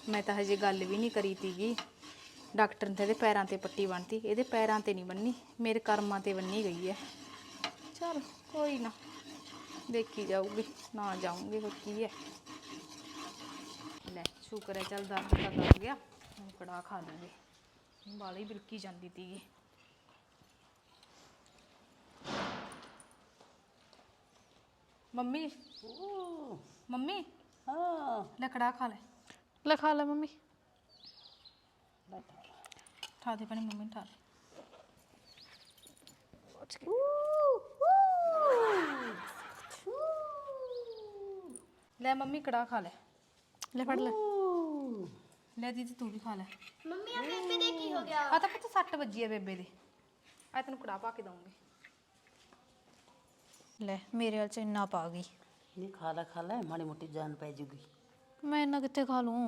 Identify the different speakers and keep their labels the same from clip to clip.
Speaker 1: मैं तो हजे गल भी नहीं करी तीगी। डॉक्टर ने तो पैरों ते पट्टी बन्नती, ये पैरों ते नहीं बन्नी, मेरे कर्मां ते बन्नी गई है। चल कोई ना, देखी जाऊगी, ना जाऊंगी फिर की है। ले शुक्र है, चल दर्द का लग गया, हम कड़ा खा लूँगी, बाली बिलकी जाती थी। मम्मी मम्मी
Speaker 2: हाँ
Speaker 1: ले कड़ा खा ले खा ले मम्मी। ठा दे पानी मम्मी, ठा दे। ले मम्मी कड़ा खा ले फड़ ले दीदी तू भी खा ले।
Speaker 3: मम्मी आ बेबे दे की हो गया?
Speaker 1: आ तो पुत्त 6 वजी है बेबे दे, आ तेन कड़ा पा के दूंगी। ले मेरे वाल च इन्ना पा गई।
Speaker 2: नहीं खा ले माड़ी मोटी जान पै जूगी।
Speaker 1: मैं इन्ना कित्थे खा लूँ?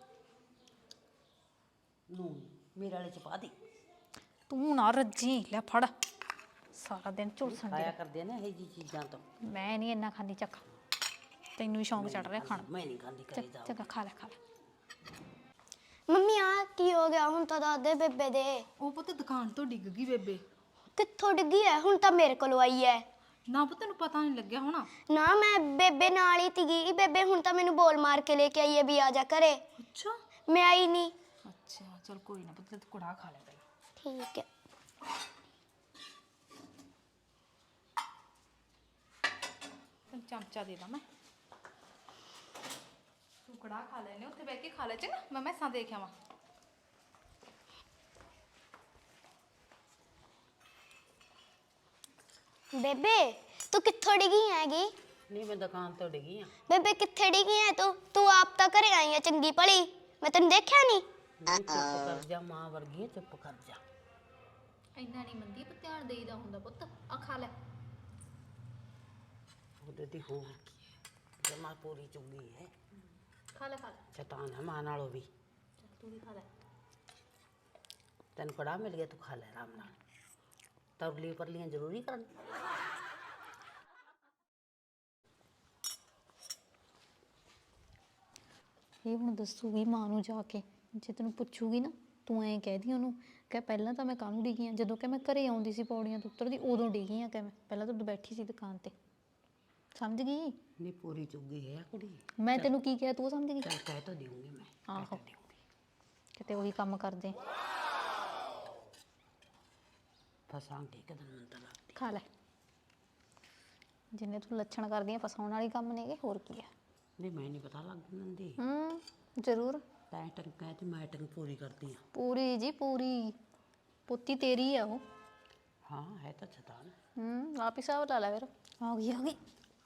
Speaker 2: लून मेरे वाले च पा दी।
Speaker 1: तू ना रज्जी, ले फड़, सारा दिन झुलसन
Speaker 2: खाया
Speaker 1: दे।
Speaker 2: करदे ना ये जी चीज़ां तो।
Speaker 1: मैं नहीं इन्ना खानी, चख तेनू भी शौक चढ़ रहा खाना।
Speaker 2: मैं नहीं खाती करे जाओ।
Speaker 1: चंगा खा ले
Speaker 3: ਮੰਮੀ ਆ ਕੀ ਹੋ ਗਿਆ? ਹੁਣ ਤਾਂ ਦੱਸ ਦੇ ਬੇਬੇ ਦੇ।
Speaker 1: ਉਹ ਪੁੱਤ ਦੁਕਾਨ ਤੋਂ ਡਿੱਗ ਗਈ ਬੇਬੇ।
Speaker 3: ਕਿੱਥੋਂ ਡਿੱਗੀ ਐ? ਹੁਣ ਤਾਂ ਮੇਰੇ ਕੋਲ ਆਈ ਐ।
Speaker 1: ਨਾ ਪੁੱਤ ਤੈਨੂੰ ਪਤਾ ਨਹੀਂ ਲੱਗਿਆ ਹੋਣਾ।
Speaker 3: ਨਾ ਮੈਂ ਬੇਬੇ ਨਾਲ ਹੀ ਤੀਗੀ। ਬੇਬੇ ਹੁਣ ਤਾਂ ਮੈਨੂੰ ਬੋਲ ਮਾਰ ਕੇ ਲੈ ਕੇ ਆਈ ਐ ਵੀ ਆ ਜਾ ਘਰੇ।
Speaker 1: ਅੱਛਾ
Speaker 3: ਮੈਂ ਆਈ ਨਹੀਂ।
Speaker 1: ਅੱਛਾ ਚਲ ਕੋਈ ਨਾ ਪੁੱਤ, ਤੂੰ ਕੁੜਾ ਖਾ ਲੈ ਪਹਿਲਾਂ।
Speaker 3: ਠੀਕ ਹੈ।
Speaker 1: ਤੈਨੂੰ ਚਮਚਾ ਦੇ ਦਾਂ ਮੈਂ, ਤੂੰ ਕੜਾ ਖਾ ਲੈਨੇ, ਉੱਥੇ ਬਹਿ ਕੇ ਖਾ ਲੈ ਚੰਗਾ। ਮੈਂ ਮੈਸਾਂ ਦੇਖ ਆਵਾਂ।
Speaker 3: ਬੇਬੇ ਤੂੰ ਕਿੱਥੋਂ ਡਿੱਗੀ ਹੈਗੀ?
Speaker 2: नहीं मैं दुकान तो डिगी हाँ।
Speaker 3: ਬੇਬੇ ਕਿੱਥੇ ਡਿੱਗੀ ਐ ਤੂੰ? ਤੂੰ ਆਪ ਤਾਂ ਘਰੇ ਆਈ ਐ ਚੰਗੀ ਭਲੀ, ਮੈਂ ਤੈਨੂੰ ਦੇਖਿਆ ਨਹੀਂ।
Speaker 2: नहीं चुप कर जा, माँ वर्गी है, चुप कर जा।
Speaker 1: ਇੰਨਾ ਨਹੀਂ ਮੰਦੀ, ਪਰ ਧਿਆਨ ਦੇਈਦਾ ਹੁੰਦਾ ਪੁੱਤ। ਆ ਖਾ ਲੈ।
Speaker 2: ਉਹਦੇ ਦੀ ਹੋ ਗਈ ਜਮਾ ਪੂਰੀ ਚੁੰਗੀ ਹੈ।
Speaker 1: ਖਾ ਲੈ
Speaker 2: ਸ਼ੈਤਾਨ ਹੈ ਮਾਂ ਨਾਲੋਂ ਵੀ।
Speaker 1: ਚੱਲ ਤੂੰ ਵੀ ਖਾ ਲੈ।
Speaker 2: ਤੈਨੂੰ ਕੜਾ ਮਿਲ ਗਿਆ, ਤੂੰ ਖਾ ਲੈ ਆਰਾਮ ਨਾਲ। ਤਰਲੀ ਪਰਲੀਆਂ ਜ਼ਰੂਰੀ ਕਰਨ।
Speaker 1: ਇਹ ਹੁਣ ਦੱਸੂਗੀ ਮਾਂ ਨੂੰ ਜਾ ਕੇ, ਜੇ ਤੈਨੂੰ ਪੁੱਛੂਗੀ ਨਾ ਤੂੰ ਐਂ ਕਹਿ ਦੀ ਉਹਨੂੰ ਕਿ ਪਹਿਲਾਂ ਤਾਂ ਮੈਂ ਕਾਹਨੂੰ ਡਿੱਗੀ ਹਾਂ, ਜਦੋਂ ਕਿ ਮੈਂ ਘਰੇ ਆਉਂਦੀ ਸੀ ਪੌੜੀਆਂ ਤੋਂ ਉਤਰਦੀ ਉਦੋਂ ਡਿੱਗੀ ਹਾਂ, ਕਿ ਮੈਂ ਪਹਿਲਾਂ ਤਾਂ ਬੈਠੀ ਸੀ ਦੁਕਾਨ ਤੇ। ਸਮਝ ਗਈ?
Speaker 2: ਨਹੀਂ ਪੂਰੀ ਚੁੰਗੀ ਹੈ ਕੁੜੀ।
Speaker 1: ਮੈਂ ਤੈਨੂੰ ਕੀ ਕਿਹਾ ਤੂੰ ਸਮਝ ਗਈ?
Speaker 2: ਚੱਲ ਕਹਿ ਤਾਂ ਦੇਊਂਗੀ ਮੈਂ।
Speaker 1: ਆਹੋ ਕਿਤੇ ਉਹੀ ਕੰਮ ਕਰਦੇ।
Speaker 2: ਫਸਾਂਗੇ ਇੱਕ ਦਿਨ ਮੈਨੂੰ ਤਾਂ ਲੱਗਦੀ।
Speaker 1: ਖਾ ਲੈ, ਜਿੰਨੇ ਤੂੰ ਲੱਛਣ ਕਰਦੀ ਆ ਫਸਾਉਣ ਵਾਲੀ ਕੰਮ ਨੇਗੇ, ਹੋਰ ਕੀ ਆ।
Speaker 2: ਨਹੀਂ ਮੈਂ ਨਹੀਂ ਪਤਾ ਲੱਗ ਦਿੰਦੀ।
Speaker 1: ਜ਼ਰੂਰ
Speaker 2: ਤੈਂ ਟੰਕਾ ਤੇ ਮੈਂ ਟੰਕ ਪੂਰੀ ਕਰਦੀ ਹਾਂ।
Speaker 1: ਪੂਰੀ ਜੀ ਪੂਰੀ, ਪੁੱਤੀ ਤੇਰੀ ਆ ਉਹ।
Speaker 2: ਹਾਂ ਹੈ ਤਾਂ ਸ਼ੈਤਾਨ।
Speaker 1: ਆਪ ਹੀ ਹਿਸਾਬ ਲਾ ਲੈ ਫਿਰ। ਆ ਗਈ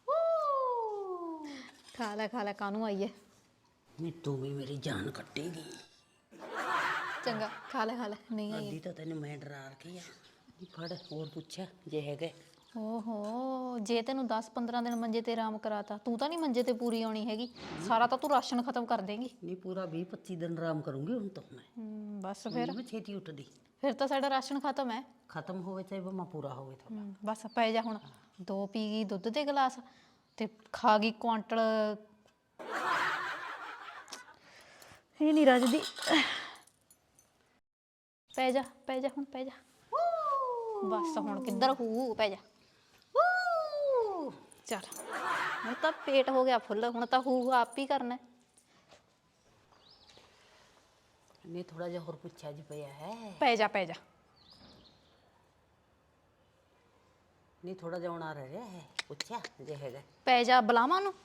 Speaker 1: ਖਾ ਲੈ ਕਾਹਨੂੰ ਆਈ ਹੈ।
Speaker 2: ਨਹੀਂ ਤੂੰ ਵੀ ਮੇਰੀ ਜਾਨ ਕੱਟੇਗੀ।
Speaker 1: ਚੰਗਾ ਖਾ ਲੈ ਨਹੀਂ ਆਈ।
Speaker 2: ਅੱਧੀ ਤਾਂ ਤੈਨੂੰ ਮੈਂ ਡਰਾ ਰੱਖੀ ਆ। ਫੜ ਹੋਰ ਪੁੱਛਿਆ ਜੇ ਹੈਗੇ।
Speaker 1: ਓਹੋ, ਜੇ ਤੈਨੂੰ 10-15 ਦਿਨ ਮੰਜੇ ਤੇ ਆਰਾਮ ਕਰਾਤਾ, ਤੂੰ ਤਾਂ ਨਹੀਂ ਮੰਜੇ ਤੇ ਪੂਰੀ ਆਉਣੀ ਹੈਗੀ। ਸਾਰਾ ਤਾਂ ਤੂੰ ਰਾਸ਼ਨ ਖਤਮ ਕਰ ਦੇਂਗੀ।
Speaker 2: ਨਹੀਂ ਪੂਰਾ 20-25 ਦਿਨ ਆਰਾਮ ਕਰੂੰਗੀ ਹੁਣ ਤਾਂ ਮੈਂ।
Speaker 1: ਬਸ ਫਿਰ
Speaker 2: ਮੈਂ ਛੇਤੀ ਉੱਠਦੀ।
Speaker 1: ਫਿਰ ਤਾਂ ਸਾਡਾ ਰਾਸ਼ਨ ਖਤਮ ਹੈ।
Speaker 2: ਖਤਮ ਹੋਵੇ ਚਾਹੇ ਬਮਾ ਪੂਰਾ ਹੋਵੇ ਥੋੜਾ।
Speaker 1: ਬਸ ਪੈ ਜਾ ਹੁਣ। 2 ਪੀ ਗਈ ਦੁੱਧ ਦੇ ਗਲਾਸ ਤੇ ਖਾ ਗਈ ਕੁਆਂਟਲ। ਇਹ ਨਹੀਂ ਰੱਜਦੀ। ਪੈ ਜਾ ਹੁਣ ਪੈ ਜਾ। ਬਸ ਹੁਣ ਕਿੱਧਰ ਹੂ, ਪੈ ਜਾ। ਚੱਲ ਹੁਣ ਤਾਂ ਪੇਟ ਹੋ ਗਿਆ ਫੁੱਲ, ਹੁਣ ਤਾਂ ਹੂ ਆਪ ਹੀ ਕਰਨਾ।
Speaker 2: ਨਹੀਂ ਥੋੜਾ ਜਿਹਾ ਹੋਰ ਪੁੱਛਿਆ ਜੀ ਪਿਆ ਹੈ।
Speaker 1: ਪੈ ਜਾ
Speaker 2: ਨਹੀਂ ਥੋੜਾ ਜਿਹਾ ਹੋਣਾ ਰਹਿ ਰਿਹਾ ਹੈ, ਪੁੱਛਿਆ ਜੇ ਹੈਗਾ।
Speaker 1: ਪੈ ਜਾ, ਬੁਲਾਵਾਂ ਨੂੰ।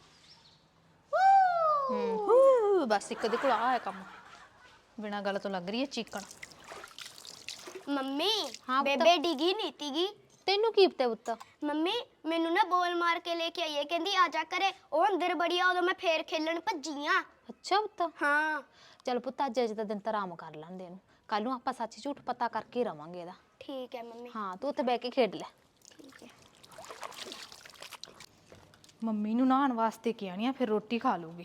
Speaker 1: ਬਸ ਇੱਕ ਦੇ ਕੋਲ ਆ ਹੈ ਕੰਮ, ਬਿਨਾਂ ਗੱਲ ਤੋਂ ਲੱਗ ਰਹੀ ਹੈ ਚੀਕਣ।
Speaker 3: ਮੰਮੀ
Speaker 1: ਹਾਂ ਪੁੱਤ।
Speaker 3: ਬੇਬੇ ਡਿੱਗੀ ਨਹੀਂ ਤੀਗੀ।
Speaker 1: ਤੈਨੂੰ ਕੀ ਪਤਾ ਪੁੱਤ?
Speaker 3: ਮੰਮੀ ਮੈਨੂੰ ਨਾ ਬੋਲ ਮਾਰ ਕੇ ਲੈ ਕੇ ਆਈ ਹੈ, ਕਹਿੰਦੀ ਆ ਜਾ ਘਰੇ। ਉਹ ਅੰਦਰ ਬੜੀ ਆ, ਉਦੋਂ ਮੈਂ ਫੇਰ ਖੇਲਣ ਭੱਜੀ ਆ।
Speaker 1: ਅੱਛਾ ਪੁੱਤ।
Speaker 3: ਹਾਂ
Speaker 1: ਚਲ ਪੁੱਤ ਅੱਜ ਦਾ ਦਿਨ ਤਾਂ ਆਰਾਮ ਕਰ ਲੈਂਦੇ ਇਹਨੂੰ, ਕੱਲ ਨੂੰ ਆਪਾਂ ਸੱਚ ਝੂਠ ਪਤਾ ਕਰਕੇ ਰਵਾਂਗੇ ਇਹਦਾ।
Speaker 3: ਠੀਕ ਹੈ ਮੰਮੀ।
Speaker 1: ਹਾਂ ਤੂੰ ਉੱਥੇ ਬਹਿ ਕੇ ਖੇਡ ਲੈ।
Speaker 3: ਠੀਕ ਹੈ।
Speaker 1: ਮੰਮੀ ਨੂੰ ਨਹਾਉਣ ਵਾਸਤੇ ਕਿਹਾ ਨਹੀਂ, ਫਿਰ ਰੋਟੀ ਖਾ ਲੂਗੀ।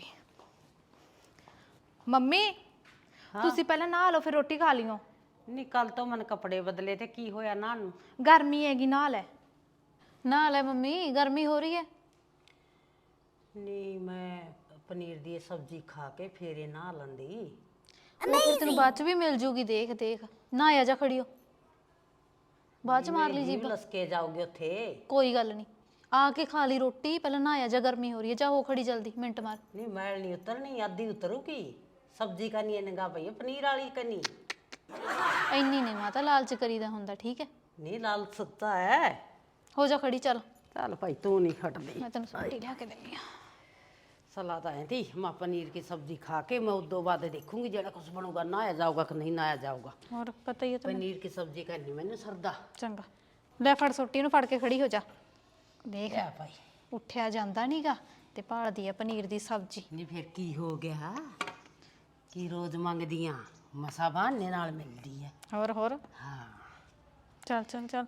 Speaker 1: ਮੰਮੀ ਤੁਸੀਂ ਪਹਿਲਾਂ ਨਹਾ ਲਓ, ਫਿਰ ਰੋਟੀ ਖਾ ਲਿਓ।
Speaker 2: ਨਹੀਂ ਕੱਲ ਤੋਂ ਮਨ ਕੱਪੜੇ ਬਦਲੇ ਤੇ ਕੀ ਹੋਇਆ ਨਾ ਨੂੰ?
Speaker 1: ਗਰਮੀ ਹੈਗੀ, ਨਹਾ ਲੈ ਮੰਮੀ, ਗਰਮੀ ਹੋ ਰਹੀ ਹੈ।
Speaker 2: ਨਹੀਂ ਮੈਂ ਪਨੀਰ ਦੀ ਇਹ ਸਬਜ਼ੀ ਖਾ ਕੇ ਫੇਰ ਇਹ ਨਹਾ ਲੈਂਦੀ।
Speaker 1: ਉਹ ਫਿਰ ਤੈਨੂੰ ਬਾਅਦ ਚ ਵੀ ਮਿਲ ਜੂਗੀ, ਦੇਖ ਦੇਖ ਨਾ ਆ ਜਾ ਖੜੀਓ, ਬਾਅਦ ਚ ਮਾਰ ਲਈ
Speaker 2: ਜੀਭ
Speaker 1: ਜੀਭ।
Speaker 2: ਲਸਕੇ ਜਾਓਗੇ ਉੱਥੇ।
Speaker 1: ਕੋਈ ਗੱਲ ਨਹੀਂ, ਆ ਕੇ ਖਾ ਲਈ ਰੋਟੀ, ਪਹਿਲਾਂ ਨਾ ਆ ਜਾ, ਗਰਮੀ ਹੋ ਰਹੀ ਹੈ, ਜਾ ਹੋ ਖੜੀ ਜਲਦੀ, ਮਿੰਟ ਮਾਰ।
Speaker 2: ਨਹੀਂ ਮੈਲ ਨਹੀਂ ਉਤਰਨੀ, ਅੱਧੀ ਉਤਰੂਗੀ। ਸਬਜ਼ੀ ਕਰਨੀ ਹੈ ਨਿਗਾਹ ਪਈ ਹੈ ਪਨੀਰ ਵਾਲੀ ਕਰਨੀ।
Speaker 1: ਇੰਨੀ ਨਹੀਂ ਮਾਤਾ ਲਾਲਚ ਕਰੀਦਾ ਹੁੰਦਾ, ਠੀਕ ਹੈ।
Speaker 2: ਨਹੀਂ ਲਾਲ ਸੁੱਤਾ ਹੈ।
Speaker 1: ਹੋ ਜਾ ਖੜੀ, ਚੱਲ
Speaker 2: ਚੱਲ ਭਾਈ ਤੂੰ ਨਹੀਂ ਖਟਦੀ।
Speaker 1: ਮੈਂ ਤੈਨੂੰ ਰੋਟੀ ਲਿਆ ਕੇ ਦਿੰਦੀ ਆ।
Speaker 2: सलाह तो थी मैं पनीर की सब्जी खा के मैं उदो बाद देखूंगी जरा कुछ बनूगा, नहाया जाऊगा कि नहीं नहाया जाऊगा।
Speaker 1: ਹੋਰ ਪਤਾ ਹੀ ਹੈ ਤੈਨੂੰ।
Speaker 2: पनीर की सब्जी करनी मैंने सरदा।
Speaker 1: ਚੰਗਾ ਲੈ ਫੜ ਸੋਟੀ ਨੂੰ, ਫੜ ਕੇ ਖੜੀ ਹੋ ਜਾ। ਦੇਖ
Speaker 2: क्या भाई
Speaker 1: ਉੱਠਿਆ ਜਾਂਦਾ ਨਹੀਂਗਾ ਤੇ ਭਾਲਦੀ ਆ ਪਨੀਰ ਦੀ ਸਬਜ਼ੀ।
Speaker 2: नहीं फिर की हो गया कि रोज मंगदियां मसा बहाने नाल मिलदी है।
Speaker 1: ਹੋਰ
Speaker 2: हाँ
Speaker 1: ਚੱਲ ਚੱਲ ਚੱਲ,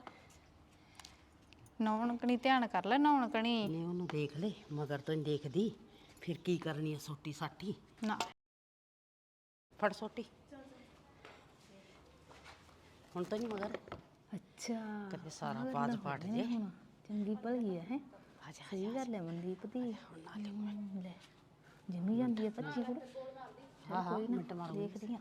Speaker 1: ਨੌਣ ਕਣੀ ਧਿਆਨ ਕਰ ਲੈ, ਨੌਣ ਕਣੀ
Speaker 2: नहीं ओनू देख ले मगर तो नहीं देखदी। फिर की करनी है सोटी साटी।
Speaker 1: ਨਾ।
Speaker 2: फड़ सोटी हुण तो नहीं मगर
Speaker 1: ਅੱਛਾ
Speaker 2: तेरे सारा पाज पाट जे।
Speaker 1: ਚੰਗੀ ਭਲੀ ਹੈ
Speaker 2: आजा
Speaker 1: ਸਹੀ ਗੱਲ ਹੈ ਮਨਦੀਪ ਦੀ। ਲੈ ਜਿੰਨੀ ਜਾਂਦੀ ਹੈ ਪੱਚੀ ਕੁੜ।
Speaker 2: हाँ हाँ मिनट मारो।
Speaker 1: ਦੇਖਦੀ ਆ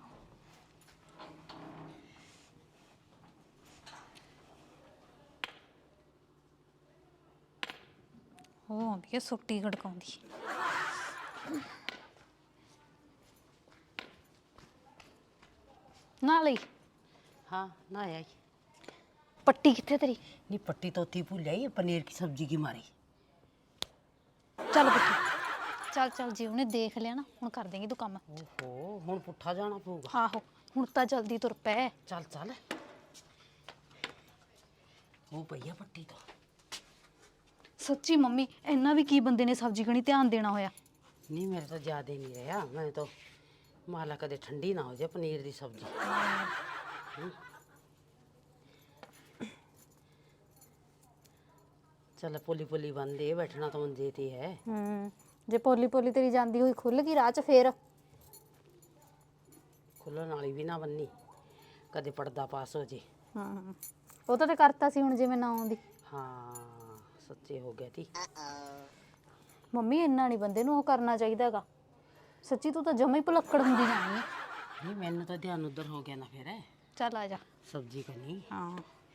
Speaker 1: ਉਹ ਆਉਂਦੀ ਹੈ ਸੁੱਟੀ ਗੜਕਾਉਂਦੀ। ਨਾ ਲਈ
Speaker 2: हाँ ना आई
Speaker 1: ਪੱਟੀ ਕਿੱਥੇ ਤੇਰੀ?
Speaker 2: नहीं पट्टी तो थी भूल जाई पनीर की सब्जी की मारी।
Speaker 1: ਚੱਲ ਪੁੱਠੀ ਚੱਲ ਚੱਲ, ਜੀ ਉਹਨੇ ਦੇਖ ਲਿਆ ਨਾ, ਹੁਣ ਕਰ ਦੇਂਗੀ ਤੂੰ ਕੰਮ।
Speaker 2: ओहो हुण पुट्ठा जाना पऊगा।
Speaker 1: ਆਹੋ ਹੁਣ ਤਾਂ ਜਲਦੀ ਤੁਰ ਪੈ।
Speaker 2: चल चल वो भैया पट्टी तो
Speaker 1: ਸੱਚੀ ਮੰਮੀ ਇੰਨਾ ਵੀ ਕੀ ਬੰਦੇ ਨੇ ਸਬਜ਼ੀ ਕਣੀ ਧਿਆਨ ਦੇਣਾ ਹੋਇਆ।
Speaker 2: नहीं मेरे तो ज्यादा नहीं रहा। मैं तो माला कदे ठंडी ना हो जाए पनीर की सब्जी। चल पोली पोली बन दे बैठना तो मंजे ते है।
Speaker 1: ਜੇ ਪੋਲੀ ਪੋਲੀ ਤੇਰੀ ਜਾਂਦੀ ਹੋਈ ਖੁੱਲ ਗਈ ਰਾਹ 'ਚ ਫੇਰ
Speaker 2: खुलन वाली भी ना बननी, कदे पर्दा पास हो जे।
Speaker 1: ਉਹ ਤਾਂ ਤੇ ਕਰਤਾ ਸੀ, ਹੁਣ ਜਿਵੇਂ ਨਾ ਆਉਂਦੀ।
Speaker 2: हाँ सच्चे हो गया थी।
Speaker 1: ਮੰਮੀ ਇੰਨਾ ਨਹੀਂ ਬੰਦੇ ਨੂੰ ਉਹ ਕਰਨਾ ਚਾਹੀਦਾਗਾ। ਸੱਚੀ ਤੂੰ ਤਾਂ ਜਮਾ ਹੀ ਭੁਲੱਕੜ ਹੁੰਦੀ ਜਾਣੀ ਹੈ।
Speaker 2: नहीं मैंने तो ध्यान उधर हो गया ना फिर है
Speaker 1: ਚੱਲ ਆ ਜਾ।
Speaker 2: सब्जी का नहीं।
Speaker 1: ਹਾਂ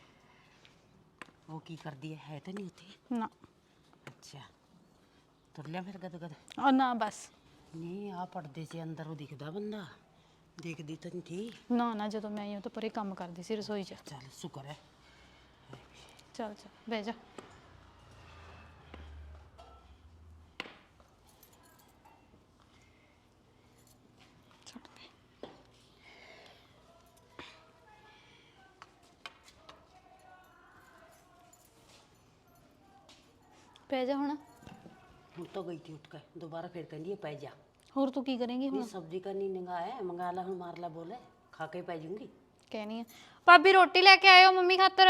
Speaker 2: वो की कर दिया है तो नहीं उठी।
Speaker 1: ਨਾ
Speaker 2: अच्छा तुर लिया फिर गद गद।
Speaker 1: ਉਹ ਨਾ ਬਸ।
Speaker 2: नहीं आ पर्दे से अंदर वो दिखदा बंदा, देखदी तो नहीं थी।
Speaker 1: ਨਾ ਨਾ ਜਦੋਂ ਮੈਂ ਆਈ ਉਹ ਤਾਂ ਪਰੇ ਕੰਮ ਕਰਦੀ ਸੀ ਰਸੋਈ 'ਚ।
Speaker 2: चल शुक्र है।
Speaker 1: ਚੱਲ ਚੱਲ ਬਹਿ ਜਾ। ਛੱਡ ਦੇ। ਪੈ ਜਾ ਹੁਣ।
Speaker 2: हूँ तो गई थी उठ कर, दोबारा फिर कहनी पै जा।
Speaker 1: ਹੋਰ ਤੂੰ ਕੀ ਕਰੇਂਗੀ ਹੁਣ?
Speaker 2: नहीं सब्जी करनी निगाह है, मंगा ला हूँ मार ला बोले खा के पै जाऊंगी।
Speaker 1: ਕਹਿਣੀ ਆ ਭਾਬੀ ਰੋਟੀ ਲੈ ਕੇ ਆਇਓ ਮੰਮੀ ਖਾਤਰ।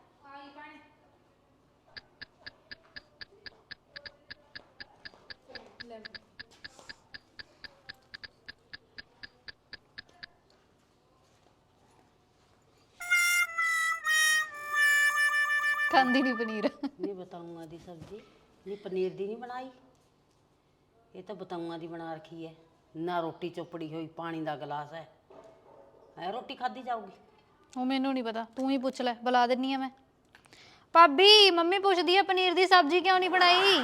Speaker 1: ਖਾਂਦੀ ਨਹੀਂ ਪਨੀਰ।
Speaker 2: नहीं बताऊंगा दी सब्जी, नहीं पनीर दी नहीं बनाई, ये तो बताऊंगा दी बना रखी है। ना रोटी चोपड़ी हुई पानी दा गिलास है रोटी खाधी जाऊगी।
Speaker 1: ਉਹ ਮੈਨੂੰ ਨਹੀਂ ਪਤਾ, ਤੂੰ ਹੀ ਪੁੱਛ ਲੈ, ਬੁਲਾ ਦਿੰਨੀ ਆ ਮੈਂ। ਭਾਬੀ ਮੰਮੀ ਪੁੱਛਦੀ ਆ ਪਨੀਰ ਦੀ ਸਬਜ਼ੀ ਕਿਉਂ ਨਹੀਂ ਬਣਾਈ?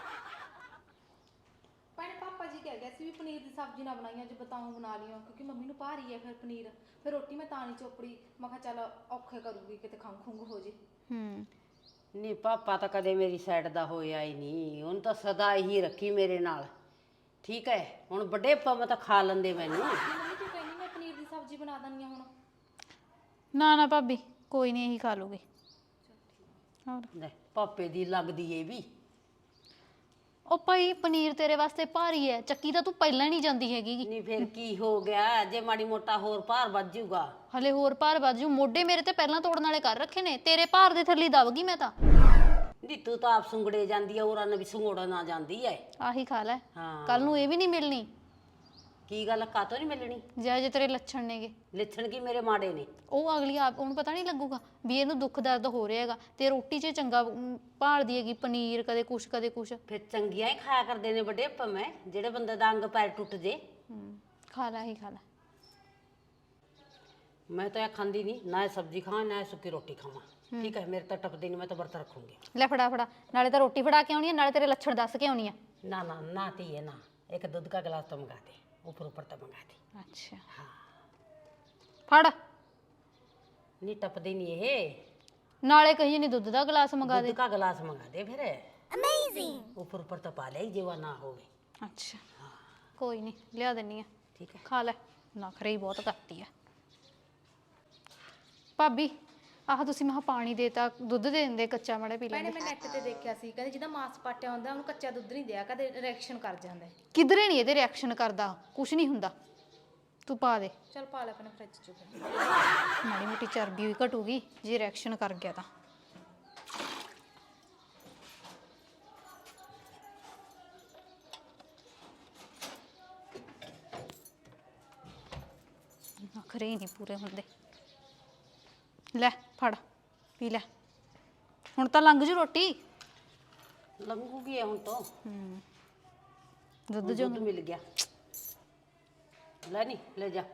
Speaker 4: ਭੈਣੇ ਪਾਪਾ ਜੀ ਕਹਿ ਗਿਆ ਸੀ ਵੀ ਪਨੀਰ ਦੀ ਸਬਜ਼ੀ ਨਾ ਬਣਾਈ, ਅੱਜ ਬਤਾਉਂ ਬਣਾ ਲਿਓ ਕਿਉਂਕਿ ਮੰਮੀ ਨੂੰ ਭਾਰੀ ਹੈ ਫਿਰ ਪਨੀਰ, ਫਿਰ ਰੋਟੀ ਮੈਂ ਤਾਂ ਨਹੀਂ ਚੋਪੜੀ। ਮੈਂ ਕਿਹਾ ਚੱਲ ਔਖੇ ਕਰੂਗੀ ਕਿਤੇ ਖੰਘ ਖੁੰਘ ਹੋ ਜੇ।
Speaker 2: नहीं पापा तो कदे मेरी साइड दा होया ही नहीं, उन तो सदा ही रखी मेरे नाल। ठीक है हुण बड़े पम तो खा लेंदे मैनू।
Speaker 4: ਮੰਮੀ ਤੂੰ ਕਹਿੰਦੀ ਮੈਂ ਪਨੀਰ ਦੀ ਸਬਜ਼ੀ ਬਣਾ ਦਿੰਦੀ ਆ ਹੁਣ।
Speaker 1: ਨਾ ਨਾ ਭਾਬੀ ਕੋਈ ਨਹੀਂ, ਇਹੀ ਖਾ ਲੂਗੀ। ਹੋਰ
Speaker 2: ले पापे दी लगदी है भी।
Speaker 1: ਉਹ ਭਾਈ ਪਨੀਰ ਤੇਰੇ ਵਾਸਤੇ ਭਾਰੀ ਹੈ, ਚੱਕੀ ਤਾਂ ਤੂੰ ਪਹਿਲਾਂ ਨਹੀਂ ਜਾਂਦੀ ਹੈਗੀ।
Speaker 2: नहीं फिर की हो गया जे माड़ी मोटा होर भार बच जाऊगा।
Speaker 1: ਹਲੇ ਹੋਰ ਭਾਰ ਵੱਧ ਜੂ, ਮੋਢੇ ਮੇਰੇ ਤੇ ਪਹਿਲਾਂ ਤੋੜਨ ਵਾਲੇ ਕਰ ਰੱਖੇ ਨੇ, ਤੇਰੇ ਭਾਰ ਦੇ ਥੱਲੇ ਦਬ ਗਈ ਮੈਂ ਤਾਂ।
Speaker 2: नी तू तो आप सुंगड़े जांदी है, औरां ने भी सुंगड़ा ना जांदी है।
Speaker 1: ਆਹੀ ਖਾ ਲੈ,
Speaker 2: हाँ
Speaker 1: ਕੱਲ ਨੂੰ ਇਹ ਵੀ ਨਹੀਂ ਮਿਲਣੀ।
Speaker 2: ਕੀ ਗੱਲ ਕਾਤੋਂ ਨਹੀਂ ਮਿਲਣੀ?
Speaker 1: ਜੇ ਤੇਰੇ ਲੱਛਣ ਨੇਗੇ
Speaker 2: ਲੱਛਣ ਕੀ ਮੇਰੇ ਮਾੜੇ ਨੇ?
Speaker 1: ਉਹ ਅਗਲੀ ਆਪ ਉਹਨੂੰ ਪਤਾ ਨਹੀਂ ਲੱਗੂਗਾ ਵੀ ਇਹਨੂੰ ਦੁੱਖ ਦਰਦ ਹੋ ਰਿਹਾ ਹੈਗਾ ਤੇ ਰੋਟੀ 'ਚ ਚੰਗਾ ਭਾਲਦੀ ਹੈਗੀ ਪਨੀਰ ਕਦੇ ਕੁਛ ਕਦੇ ਕੁਛ।
Speaker 2: ਫਿਰ ਚੰਗੀਆਂ ਹੀ ਖਾਇਆ ਕਰਦੇ ਨੇ ਵੱਡੇ ਭਵੇਂ ਜਿਹੜੇ ਬੰਦੇ ਦਾ ਅੰਗ ਪੈਰ ਟੁੱਟ ਜੇ।
Speaker 1: ਖਾ ਲੈ ਹੀ ਖਾ ਲੈ।
Speaker 2: ਮੈਂ ਤਾਂ ਇਹ ਖਾਂਦੀ ਨਹੀਂ, ਨਾ ਇਹ ਸਬਜ਼ੀ ਖਾਵਾਂ ਨਾ ਇਹ ਸੁੱਕੀ ਰੋਟੀ ਖਾਵਾਂ। ਠੀਕ ਹੈ, ਮੇਰੇ ਤਾਂ ਟੱਪਦੀ ਨਹੀਂ, ਮੈਂ ਤਾਂ ਵਰਤ ਰੱਖੂੰਗੀ।
Speaker 1: ਲੈ ਫੜਾ ਫੜਾ, ਨਾਲੇ ਤਾਂ ਰੋਟੀ ਫੜਾ ਕੇ ਆਉਣੀ ਆ ਨਾਲੇ ਤੇਰੇ ਲੱਛਣ ਦੱਸ ਕੇ ਆਉਣੀ ਆ।
Speaker 2: ਨਾ ਨਾ ਨਾ ਧੀਏ ਨਾ, ਇੱਕ ਦੁੱਧ ਦਾ गिलास तो मंगा दे, ऊपर ऊपर तो मंगा दे।
Speaker 1: ਅੱਛਾ ਫੜ।
Speaker 2: नहीं टपदी नहीं ये,
Speaker 1: ਨਾਲੇ ਕਹੀ ਨਹੀਂ ਦੁੱਧ ਦਾ ਗਲਾਸ ਮੰਗਾ ਦੇ।
Speaker 2: दूध का गिलास मंगा दे फिर। अमेजिंग। ऊपर ऊपर तो पा ले जेवा ना होवे।
Speaker 1: ਅੱਛਾ ਕੋਈ ਨਹੀਂ ਲਿਆ ਦਿੰਨੀ ਆ।
Speaker 2: ठीक है।
Speaker 1: ਖਾ ਲੈ, ਨਖਰੇ ਹੀ ਬਹੁਤ ਕਰਤੀ ਆ ਭਾਬੀ। ਆਹ ਤੁਸੀਂ ਮਹਾ ਪਾਣੀ ਦੇਤਾ, ਦੁੱਧ ਦੇ ਦਿੰਦੇ ਕੱਚਾ ਮਾੜੇ ਪੀ
Speaker 4: ਭੈਣੇ
Speaker 1: ਲੈਂਦੇ।
Speaker 4: ਮੈਂ ਨੈਟ ਤੇ ਦੇਖਿਆ ਸੀ, ਕਹਿੰਦੇ ਜਿਹਦਾ ਮਾਸ ਪਾਟਿਆ ਹੁੰਦਾ ਉਹਨੂੰ ਕੱਚਾ ਦੁੱਧ ਨਹੀਂ ਦਿਆ, ਕਦੇ ਰਿਐਕਸ਼ਨ ਕਰ ਜਾਂਦਾ ਹੈ।
Speaker 1: ਕਿਧਰੇ ਨਹੀਂ ਇਹਦੇ ਰਿਐਕਸ਼ਨ ਕਰਦਾ, ਕੁਛ ਨਹੀਂ ਹੁੰਦਾ। ਤੂੰ ਪਾ ਦੇ,
Speaker 4: ਚਲ ਪਾ ਲੈ ਆਪਣੇ ਫ੍ਰਿਜ ਚੋਂ ਫਿਰ।
Speaker 1: ਮਾੜੀ ਮੋਟੀ ਚਰਬੀ ਵੀ ਘਟੂਗੀ ਜੇ ਰਿਐਕਸ਼ਨ ਕਰ ਗਿਆ ਤਾਂ। ਨਖਰੇ ਹੀ ਨਹੀਂ ਪੂਰੇ ਹੁੰਦੇ। ਲੈ ਫੜ ਪੀ ਲੈ, ਹੁਣ ਤਾਂ ਲੰਘ ਜੂ ਰੋਟੀ।
Speaker 2: लंगूगी है हुन तो।
Speaker 1: ਦੁੱਧ
Speaker 2: हुन
Speaker 1: ਜੋ
Speaker 2: दूध मिल गया। ले नहीं ले जा।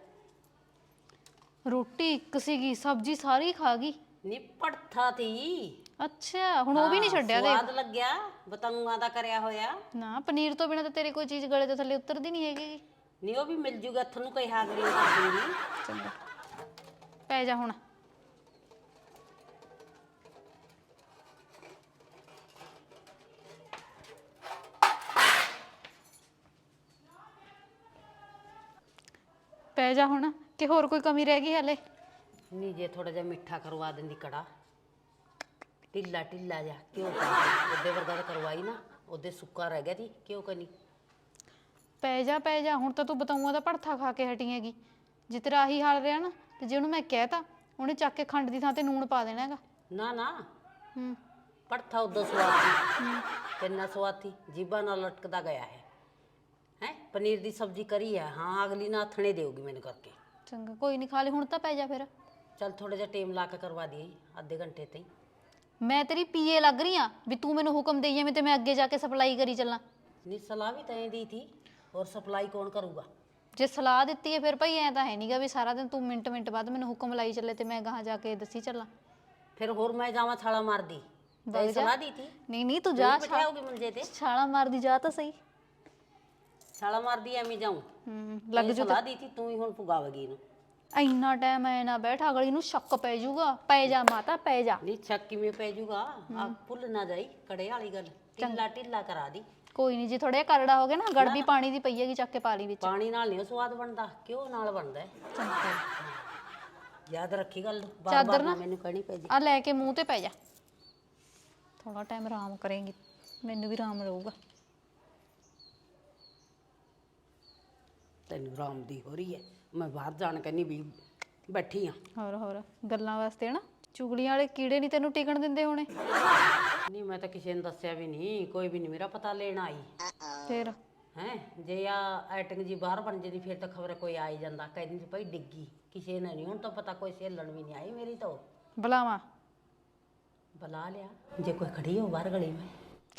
Speaker 1: ਰੋਟੀ ਇੱਕ ਸੀਗੀ, ਸਬਜ਼ੀ ਸਾਰੀ ਖਾ ਗਈ।
Speaker 2: निपट था थी।
Speaker 1: ਅੱਛਾ ਹੁਣ ਉਹ ਵੀ ਨਹੀਂ ਛੱਡਿਆ ਦੇ।
Speaker 2: स्वाद लग गया बतंगा दा करया होया।
Speaker 1: ਨਾ ਪਨੀਰ ਤੋਂ ਬਿਨਾਂ ਤਾਂ ਤੇਰੇ ਕੋਈ ਚੀਜ਼ ਗਲੇ ਤੋਂ ਥੱਲੇ ਉਤਰਦੀ ਨਹੀਂ ਹੈਗੀ।
Speaker 2: नहीं वो भी मिल जूगा थनु कई हागरी कर दूंगी।
Speaker 1: ਚੰਗਾ ਪੈ ਜਾ ਹੁਣ। ਪੈ ਜਾ ਹੁਣ ਕਿ ਹੋਰ ਕੋਈ ਕਮੀ ਰਹਿ ਗਈ ਹਲੇ?
Speaker 2: नहीं जे थोड़ा जा मिठा करवा देंदी कड़ा, ढिला ढिला जा क्यों ओदे वर्गा तो करवाई ना, ओदे सुक्का रह गया थी क्यों करनी।
Speaker 1: ਪੈ ਜਾ ਹੁਣ ਤਾਂ ਤੂੰ ਬਤਾਊਆਂ ਦਾ ਭੜਥਾ ਖਾ ਕੇ ਹਟੀ ਹੈਗੀ। ਜੇ ਤੇਰਾ ਆਹੀ ਹਾਲ ਰਿਹਾ ਨਾ ਤੇ ਜੇ ਉਹਨੂੰ ਮੈਂ ਕਹਿਤਾ ਉਹਨੇ ਚੱਕ ਕੇ ਖੰਡ ਦੀ ਥਾਂ ਤੇ ਨੂਣ ਪਾ ਦੇਣਾ ਹੈਗਾ।
Speaker 2: ना ना
Speaker 1: ਹੂੰ
Speaker 2: पड़था उदो स्वाद थी, किन्ना स्वाद थी, जीबा ना लटकदा गया है। हैं पनीर दी सब्जी करी है, हाँ अगली ना थने देगी मैंने करके।
Speaker 1: ਚੰਗਾ ਕੋਈ ਨਹੀਂ ਖਾ ਲਈ ਹੁਣ ਤਾਂ ਪੈ ਜਾ ਫਿਰ।
Speaker 2: चल थोड़ा जा टेम ला के करवा दिए आधे घंटे तई।
Speaker 1: ਮੈਂ ਤੇਰੀ ਪੀਏ ਲੱਗ ਰਹੀ ਆ ਵੀ ਤੂੰ ਮੈਨੂੰ ਹੁਕਮ ਦੇਈ ਐਵੇਂ ਤੇ ਮੈਂ ਅੱਗੇ ਜਾ ਕੇ ਸਪਲਾਈ ਕਰੀ ਚੱਲਾਂ।
Speaker 2: नहीं सलाह भी तय दी थी, और सप्लाई कौन करूँगा।
Speaker 1: ਜੇ ਸਲਾਹ ਦਿੱਤੀ ਹੈ ਫਿਰ ਭਾਈ ਐ ਤਾਂ ਹੈ ਨਹੀਂਗਾ ਵੀ ਸਾਰਾ ਦਿਨ ਤੂੰ ਮਿੰਟ ਮਿੰਟ ਬਾਅਦ ਮੈਨੂੰ ਹੁਕਮ ਲਾਈ ਚੱਲੇ ਤੇ ਮੈਂ ਗਾਹਾਂ ਜਾ ਕੇ ਦੱਸੀ ਚੱਲਾਂ।
Speaker 2: फिर होर मैं जावा छाला मार दी, तय सलाह दी थी।
Speaker 1: ਨਹੀਂ ਤੂੰ ਜਾ
Speaker 2: बिठाओगी मंजे ते
Speaker 1: ਛਾਲਾ ਮਾਰਦੀ ਜਾ ਤਾਂ ਸਹੀ।
Speaker 2: छाला मार दी एमी जाऊँ।
Speaker 1: ਲੱਗ ਜੂ।
Speaker 2: सलाह दी थी तू ही हुन पुगावेगी इनू।
Speaker 1: ਇੰਨਾ ਟਾਈਮ ਐ ਨਾ ਬੈਠ, ਅਗਲੀ ਨੂੰ ਸ਼ੱਕ ਪੈ ਜਾਊਗਾ। ਪੈ ਜਾ ਮਾਤਾ ਪੈ ਜਾ।
Speaker 2: नहीं छक किवें पै जूगा, आप भुल ना जाई कड़े वाली गल, ढिला ढिला करा दी।
Speaker 1: ਕੋਈ ਨਹੀਂ, ਜੇ ਥੋੜਾ ਜਿਹਾ ਕਰੜਾ ਹੋ ਗਿਆ ਨਾ ਗੜਬੀ ਪਾਣੀ ਦੀ ਪਈ ਹੈਗੀ ਚੱਕ ਕੇ ਪਾ ਲਈ ਵਿੱਚ।
Speaker 2: पानी नाल नहीं स्वाद बनदा, क्यों नाल बनदा है। याद रखी गल, बार
Speaker 1: चादर
Speaker 2: बार
Speaker 1: ना
Speaker 2: ना मैनू कहनी पै जी।
Speaker 1: ਆ ਲੈ ਕੇ ਮੂੰਹ ਤੇ ਪੈ ਜਾ, ਥੋੜਾ ਟਾਈਮ ਆਰਾਮ ਕਰੇਂਗੀ, ਮੈਨੂੰ ਵੀ ਆਰਾਮ ਰਹੂਗਾ।
Speaker 2: ਤੈਨੂੰ ਆਰਾਮ ਦੀ ਹੋ ਰਹੀ ਹੈ, ਮੈਂ ਬਾਹਰ ਜਾਣ ਕਹਿੰਨੀ ਵੀ ਬੈਠੀ ਆ।
Speaker 1: ਹੋਰ ਗੱਲਾਂ ਵਾਸਤੇ ਨਾ ਚੁਗਲੀਆਂ ਵਾਲੇ ਕੀੜੇ ਨਹੀਂ ਤੈਨੂੰ ਟਿਕਣ ਦਿੰਦੇ ਹੋਣੇ।
Speaker 2: ਨਹੀਂ ਮੈਂ ਤਾਂ ਕਿਸੇ ਨੂੰ ਦੱਸਿਆ ਵੀ ਨਹੀਂ, ਕੋਈ ਵੀ ਨਹੀਂ ਮੇਰਾ ਪਤਾ ਲੈਣ ਆਈ
Speaker 1: ਫਿਰ
Speaker 2: ਹੈ। ਜੇ ਆ ਐਟਿੰਗ ਜੀ ਬਾਹਰ ਬਣ ਜਾਂਦੀ ਫਿਰ ਤਾਂ ਖਬਰ ਕੋਈ ਆ ਹੀ ਜਾਂਦਾ, ਕਹਿੰਦੀ ਸੀ ਭਾਈ ਡਿੱਗੀ, ਕਿਸੇ ਨੇ ਨਹੀਂ। ਹੁਣ ਤਾਂ ਪਤਾ ਕੋਈ ਸੇਲਣ ਵੀ ਨਹੀਂ ਆਈ ਮੇਰੀ ਤਾਂ।
Speaker 1: ਬੁਲਾਵਾ
Speaker 2: ਬੁਲਾ ਲਿਆ, ਜੇ ਕੋਈ ਖੜੀ ਹੋ ਬਾਹਰ ਗਲੀ ਮੈਂ।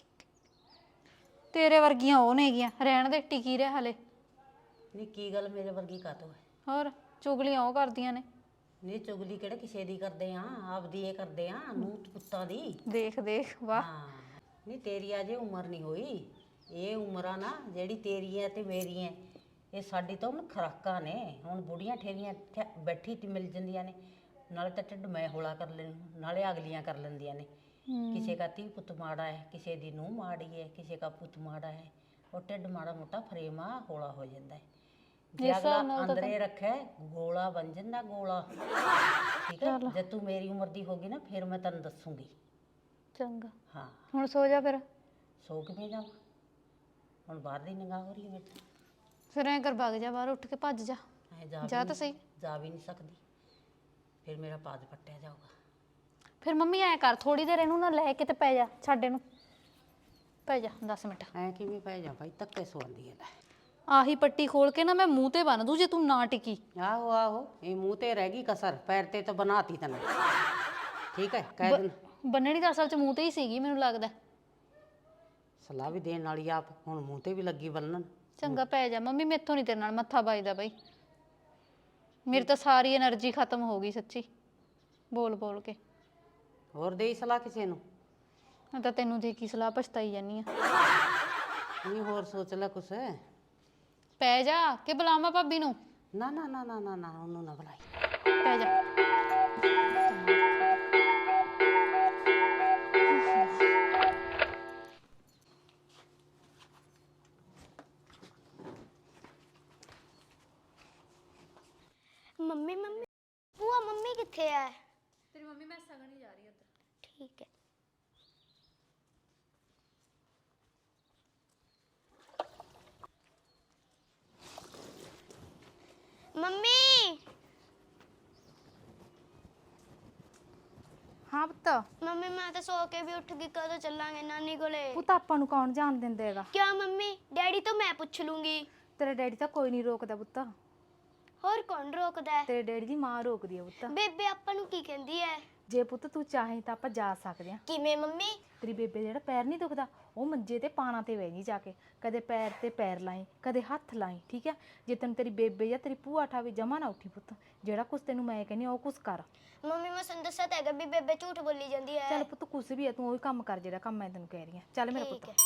Speaker 1: ਤੇਰੇ ਵਰਗੀਆਂ ਉਹ ਨੇਗੀਆਂ, ਰਹਿਣ ਦੇ, ਟਿਕੀ ਰਹਿ ਹਲੇ।
Speaker 2: ਨਹੀਂ ਕੀ ਗੱਲ ਮੇਰੇ ਵਰਗੀ ਕਾਤੋਂ ਹੈ।
Speaker 1: ਹੋਰ ਚੁਗਲੀਆਂ ਉਹ ਕਰਦੀਆਂ ਨੇ।
Speaker 2: ਨਹੀਂ ਚੁਗਲੀ ਕਿਹੜੇ ਕਿਸੇ ਦੀ ਕਰਦੇ ਆ, ਆਪਦੀ ਇਹ ਕਰਦੇ ਆ, ਨੂੰਹ ਪੁੱਤਾਂ ਦੀ।
Speaker 1: ਦੇਖ ਵਾਹ।
Speaker 2: ਹਾਂ ਨਹੀਂ ਤੇਰੀ ਅਜੇ ਉਮਰ ਨਹੀਂ ਹੋਈ, ਇਹ ਉਮਰਾਂ ਨਾ ਜਿਹੜੀ ਤੇਰੀ ਹੈ ਤੇ ਮੇਰੀ ਹੈ, ਇਹ ਸਾਡੀ ਤਾਂ ਹੁਣ ਖੁਰਾਕਾਂ ਨੇ। ਹੁਣ ਬੁੜੀਆਂ ਠੇਰੀਆਂ ਬੈਠੀ ਤੇ ਮਿਲ ਜਾਂਦੀਆਂ ਨੇ, ਨਾਲੇ ਤਾਂ ਢਿੱਡ ਮੈਂ ਹੌਲਾ ਕਰ ਲੈਣ, ਨਾਲੇ ਅਗਲੀਆਂ ਕਰ ਲੈਂਦੀਆਂ ਨੇ। ਕਿਸੇ ਦਾ ਧੀ ਪੁੱਤ ਮਾੜਾ ਹੈ, ਕਿਸੇ ਦੀ ਨੂੰਹ ਮਾੜੀ ਹੈ, ਕਿਸੇ ਦਾ ਪੁੱਤ ਮਾੜਾ ਹੈ, ਉਹ ਢਿੱਡ ਮਾੜਾ ਮੋਟਾ ਫਰੇਮਾ ਹੌਲਾ ਹੋ ਜਾਂਦਾ ਹੈ। ਜੇ ਅਗਲਾ ਅੰਦਰੇ ਰੱਖੇ ਗੋਲਾ ਬਣ ਜਾਂਦਾ, ਗੋਲਾ। ਠੀਕ ਹੈ, ਜੇ ਤੂੰ ਮੇਰੀ ਉਮਰ ਦੀ ਹੋਗੀ ਨਾ ਫਿਰ ਮੈਂ ਤੈਨੂੰ ਦੱਸੂਗੀ।
Speaker 1: ਚੰਗਾ
Speaker 2: ਹਾਂ
Speaker 1: ਹੁਣ ਸੋ ਜਾ ਫਿਰ।
Speaker 2: ਸੋ ਕਿਵੇਂ ਜਾਵਾਂ, ਹੁਣ ਬਾਹਰ ਦੀ ਨਿਗਾਹ ਹੋ ਰਹੀ ਹੈ ਮੇਰੇ।
Speaker 1: ਫਿਰ ਐਂ ਕਰ ਭੱਗ ਜਾ ਬਾਹਰ, ਉੱਠ ਕੇ ਭੱਜ ਜਾ।
Speaker 2: ਐ
Speaker 1: ਜਾ ਤਾਂ ਸਹੀ।
Speaker 2: ਜਾ ਵੀ ਨਹੀਂ ਸਕਦੀ, ਫਿਰ ਮੇਰਾ ਪਾਦ ਪੱਟਿਆ ਜਾਊਗਾ।
Speaker 1: ਫਿਰ ਮੰਮੀ ਐ ਕਰ, ਥੋੜੀ ਦੇਰ ਇਹਨੂੰ ਨਾ ਲੈ ਕੇ ਤੇ ਪੈ ਜਾ, ਛੱਡ ਇਹਨੂੰ, ਪੈ ਜਾ 10 ਮਿੰਟ।
Speaker 2: ਐ ਕਿਵੇਂ ਪੈ ਜਾ ਭਾਈ, ਧੱਕੇ ਸੌਂਦੀ ਹੈ ਲੈ।
Speaker 1: ਆਹੀ ਪੱਟੀ ਖੋਲ ਕੇ ਨਾ ਮੈਂ ਮੂੰਹ ਤੇ ਬੰਨ ਦੂੰ ਜੇ ਤੂੰ ਨਾ ਟਿਕੀ।
Speaker 2: ਆਹੋ ਆਹੋ, ਇਹ ਮੂੰਹ ਤੇ ਰਹਿ ਗਈ ਕਸਰ, ਪੈਰ ਤੇ ਤਾਂ ਬਣਾਤੀ ਤੈਨੂੰ। ਠੀਕ ਹੈ, ਕਹਿ ਦੇਣ।
Speaker 1: ਬੰਨਣੀ ਤਾਂ ਅਸਲ 'ਚ ਮੂੰਹ ਤੇ ਹੀ ਸੀਗੀ ਮੈਨੂੰ ਲੱਗਦਾ।
Speaker 2: ਸਲਾਹ ਵੀ ਦੇਣ ਵਾਲੀ ਆਪ ਹੁਣ ਮੂੰਹ ਤੇ ਵੀ ਲੱਗੀ ਬੰਨਣ।
Speaker 1: ਚੰਗਾ ਪੈ ਜਾ ਮੰਮੀ, ਮੈਥੋਂ ਨਹੀਂ ਤੇਰੇ ਨਾਲ ਮੱਥਾ ਵੱਜਦਾ ਬਈ। ਮੇਰੀ ਤਾਂ ਸਾਰੀ એનર્ਜੀ ਖਤਮ ਹੋ ਗਈ ਸੱਚੀ, ਬੋਲ ਬੋਲ ਕੇ।
Speaker 2: ਹੋਰ ਦੇਈ ਸਲਾਹ ਕਿਸੇ ਨੂੰ?
Speaker 1: ਮੈਂ ਤਾਂ ਤੈਨੂੰ ਦੇ ਕੀ ਸਲਾਹ ਪਛਤਾਈ ਜਾਨੀ ਆ।
Speaker 2: ਨਹੀਂ ਹੋਰ ਸੋਚ ਲੈ ਕੁਛ।
Speaker 1: ਪੈ ਜਾ ਕਿ ਬੁਲਾਵਾਂ ਭਾਬੀ ਨੂੰ?
Speaker 2: ਨਾ ਨਾ ਨਾ ਨਾ ਨਾ ਨਾ, ਉਹਨੂੰ ਨਾ ਬੁਲਾਈ।
Speaker 1: ਪੈ ਜਾ।
Speaker 3: ਮੰਮੀ ਮੰਮੀ ਭੂਆ ਮੰਮੀ ਕਿੱਥੇ ਹੈ?
Speaker 1: ਤੇਰੀ ਮੰਮੀ ਮੈਂ ਸਗਣ ਹੀ ਜਾ ਰਹੀ ਉੱਧਰ।
Speaker 3: ਠੀਕ ਹੈ। ਮੰਮੀ
Speaker 4: ਹਾਂ ਪੁੱਤ,
Speaker 3: ਮੰਮੀ ਮੈਂ ਤਾਂ ਸੋ ਕੇ ਵੀ ਉੱਠ ਗਈ, ਕਦੋਂ ਚੱਲਾਂਗੇ ਨਾਨੀ ਕੋਲੇ?
Speaker 4: ਪੁੱਤ ਆਪਾਂ ਨੂੰ ਕੌਣ ਜਾਣ ਦਿੰਦਾ ਹੈਗਾ?
Speaker 3: ਕਿਆ ਮੰਮੀ, ਡੈਡੀ ਤੋਂ ਮੈਂ ਪੁੱਛ ਲੂੰਗੀ।
Speaker 4: ਤੇਰੇ ਡੈਡੀ ਤਾਂ ਕੋਈ ਨਹੀਂ ਰੋਕਦਾ ਪੁੱਤ,
Speaker 3: ਹੋਰ ਕੌਣ ਰੋਕਦਾ ਹੈ?
Speaker 4: ਤੇਰੇ ਡੈਡੀ ਦੀ ਮਾਂ ਰੋਕਦੀ ਹੈ ਪੁੱਤ।
Speaker 3: ਬੇਬੇ ਆਪਾਂ ਨੂੰ ਕੀ ਕਹਿੰਦੀ ਹੈ?
Speaker 4: ਜੇ ਪੁੱਤ ਤੂੰ ਚਾਹੇ ਤਾਂ ਆਪਾਂ ਜਾ ਸਕਦੇ ਹਾਂ।
Speaker 3: ਕਿਵੇਂ ਮੰਮੀ?
Speaker 4: ਤੇਰੀ ਬੇਬੇ ਜਿਹੜਾ ਪੈਰ ਨਹੀਂ ਦੁਖਦਾ, ਉਹ ਮੰਜੇ ਤੇ ਪਾਣਾ ਤੇ ਬਹਿ ਨਹੀਂ ਜਾ ਕੇ, ਕਦੇ ਪੈਰ ਤੇ ਪੈਰ ਲਾਈ, ਕਦੇ ਹੱਥ ਲਾਈ, ਠੀਕ ਹੈ? ਜੇ ਤੈਨੂੰ ਤੇਰੀ ਬੇਬੇ ਜਾਂ ਤੇਰੀ ਭੂਆ ਠਾਵੇ, ਜਮਾ ਨਾ ਉੱਠੀ ਪੁੱਤ, ਜਿਹੜਾ ਕੁਛ ਤੈਨੂੰ ਮੈਂ ਕਹਿੰਦੀ ਉਹ ਕੁਛ ਕਰ।
Speaker 3: ਮੰਮੀ ਮੈਂ ਤੁਹਾਨੂੰ ਦੱਸਿਆ ਤਾਂ ਹੈਗਾ ਵੀ ਬੇਬੇ ਝੂਠ ਬੋਲੀ ਜਾਂਦੀ ਹੈ।
Speaker 4: ਚੱਲ ਪੁੱਤ ਕੁਛ ਵੀ ਹੈ, ਤੂੰ ਉਹੀ ਕੰਮ ਕਰ ਜਿਹੜਾ ਕੰਮ ਮੈਂ ਤੈਨੂੰ ਕਹਿ ਰਹੀ ਹਾਂ। ਚੱਲ ਮੇਰਾ
Speaker 3: ਠੀਕ
Speaker 4: ਪੁੱਤ।
Speaker 3: ਹੈ।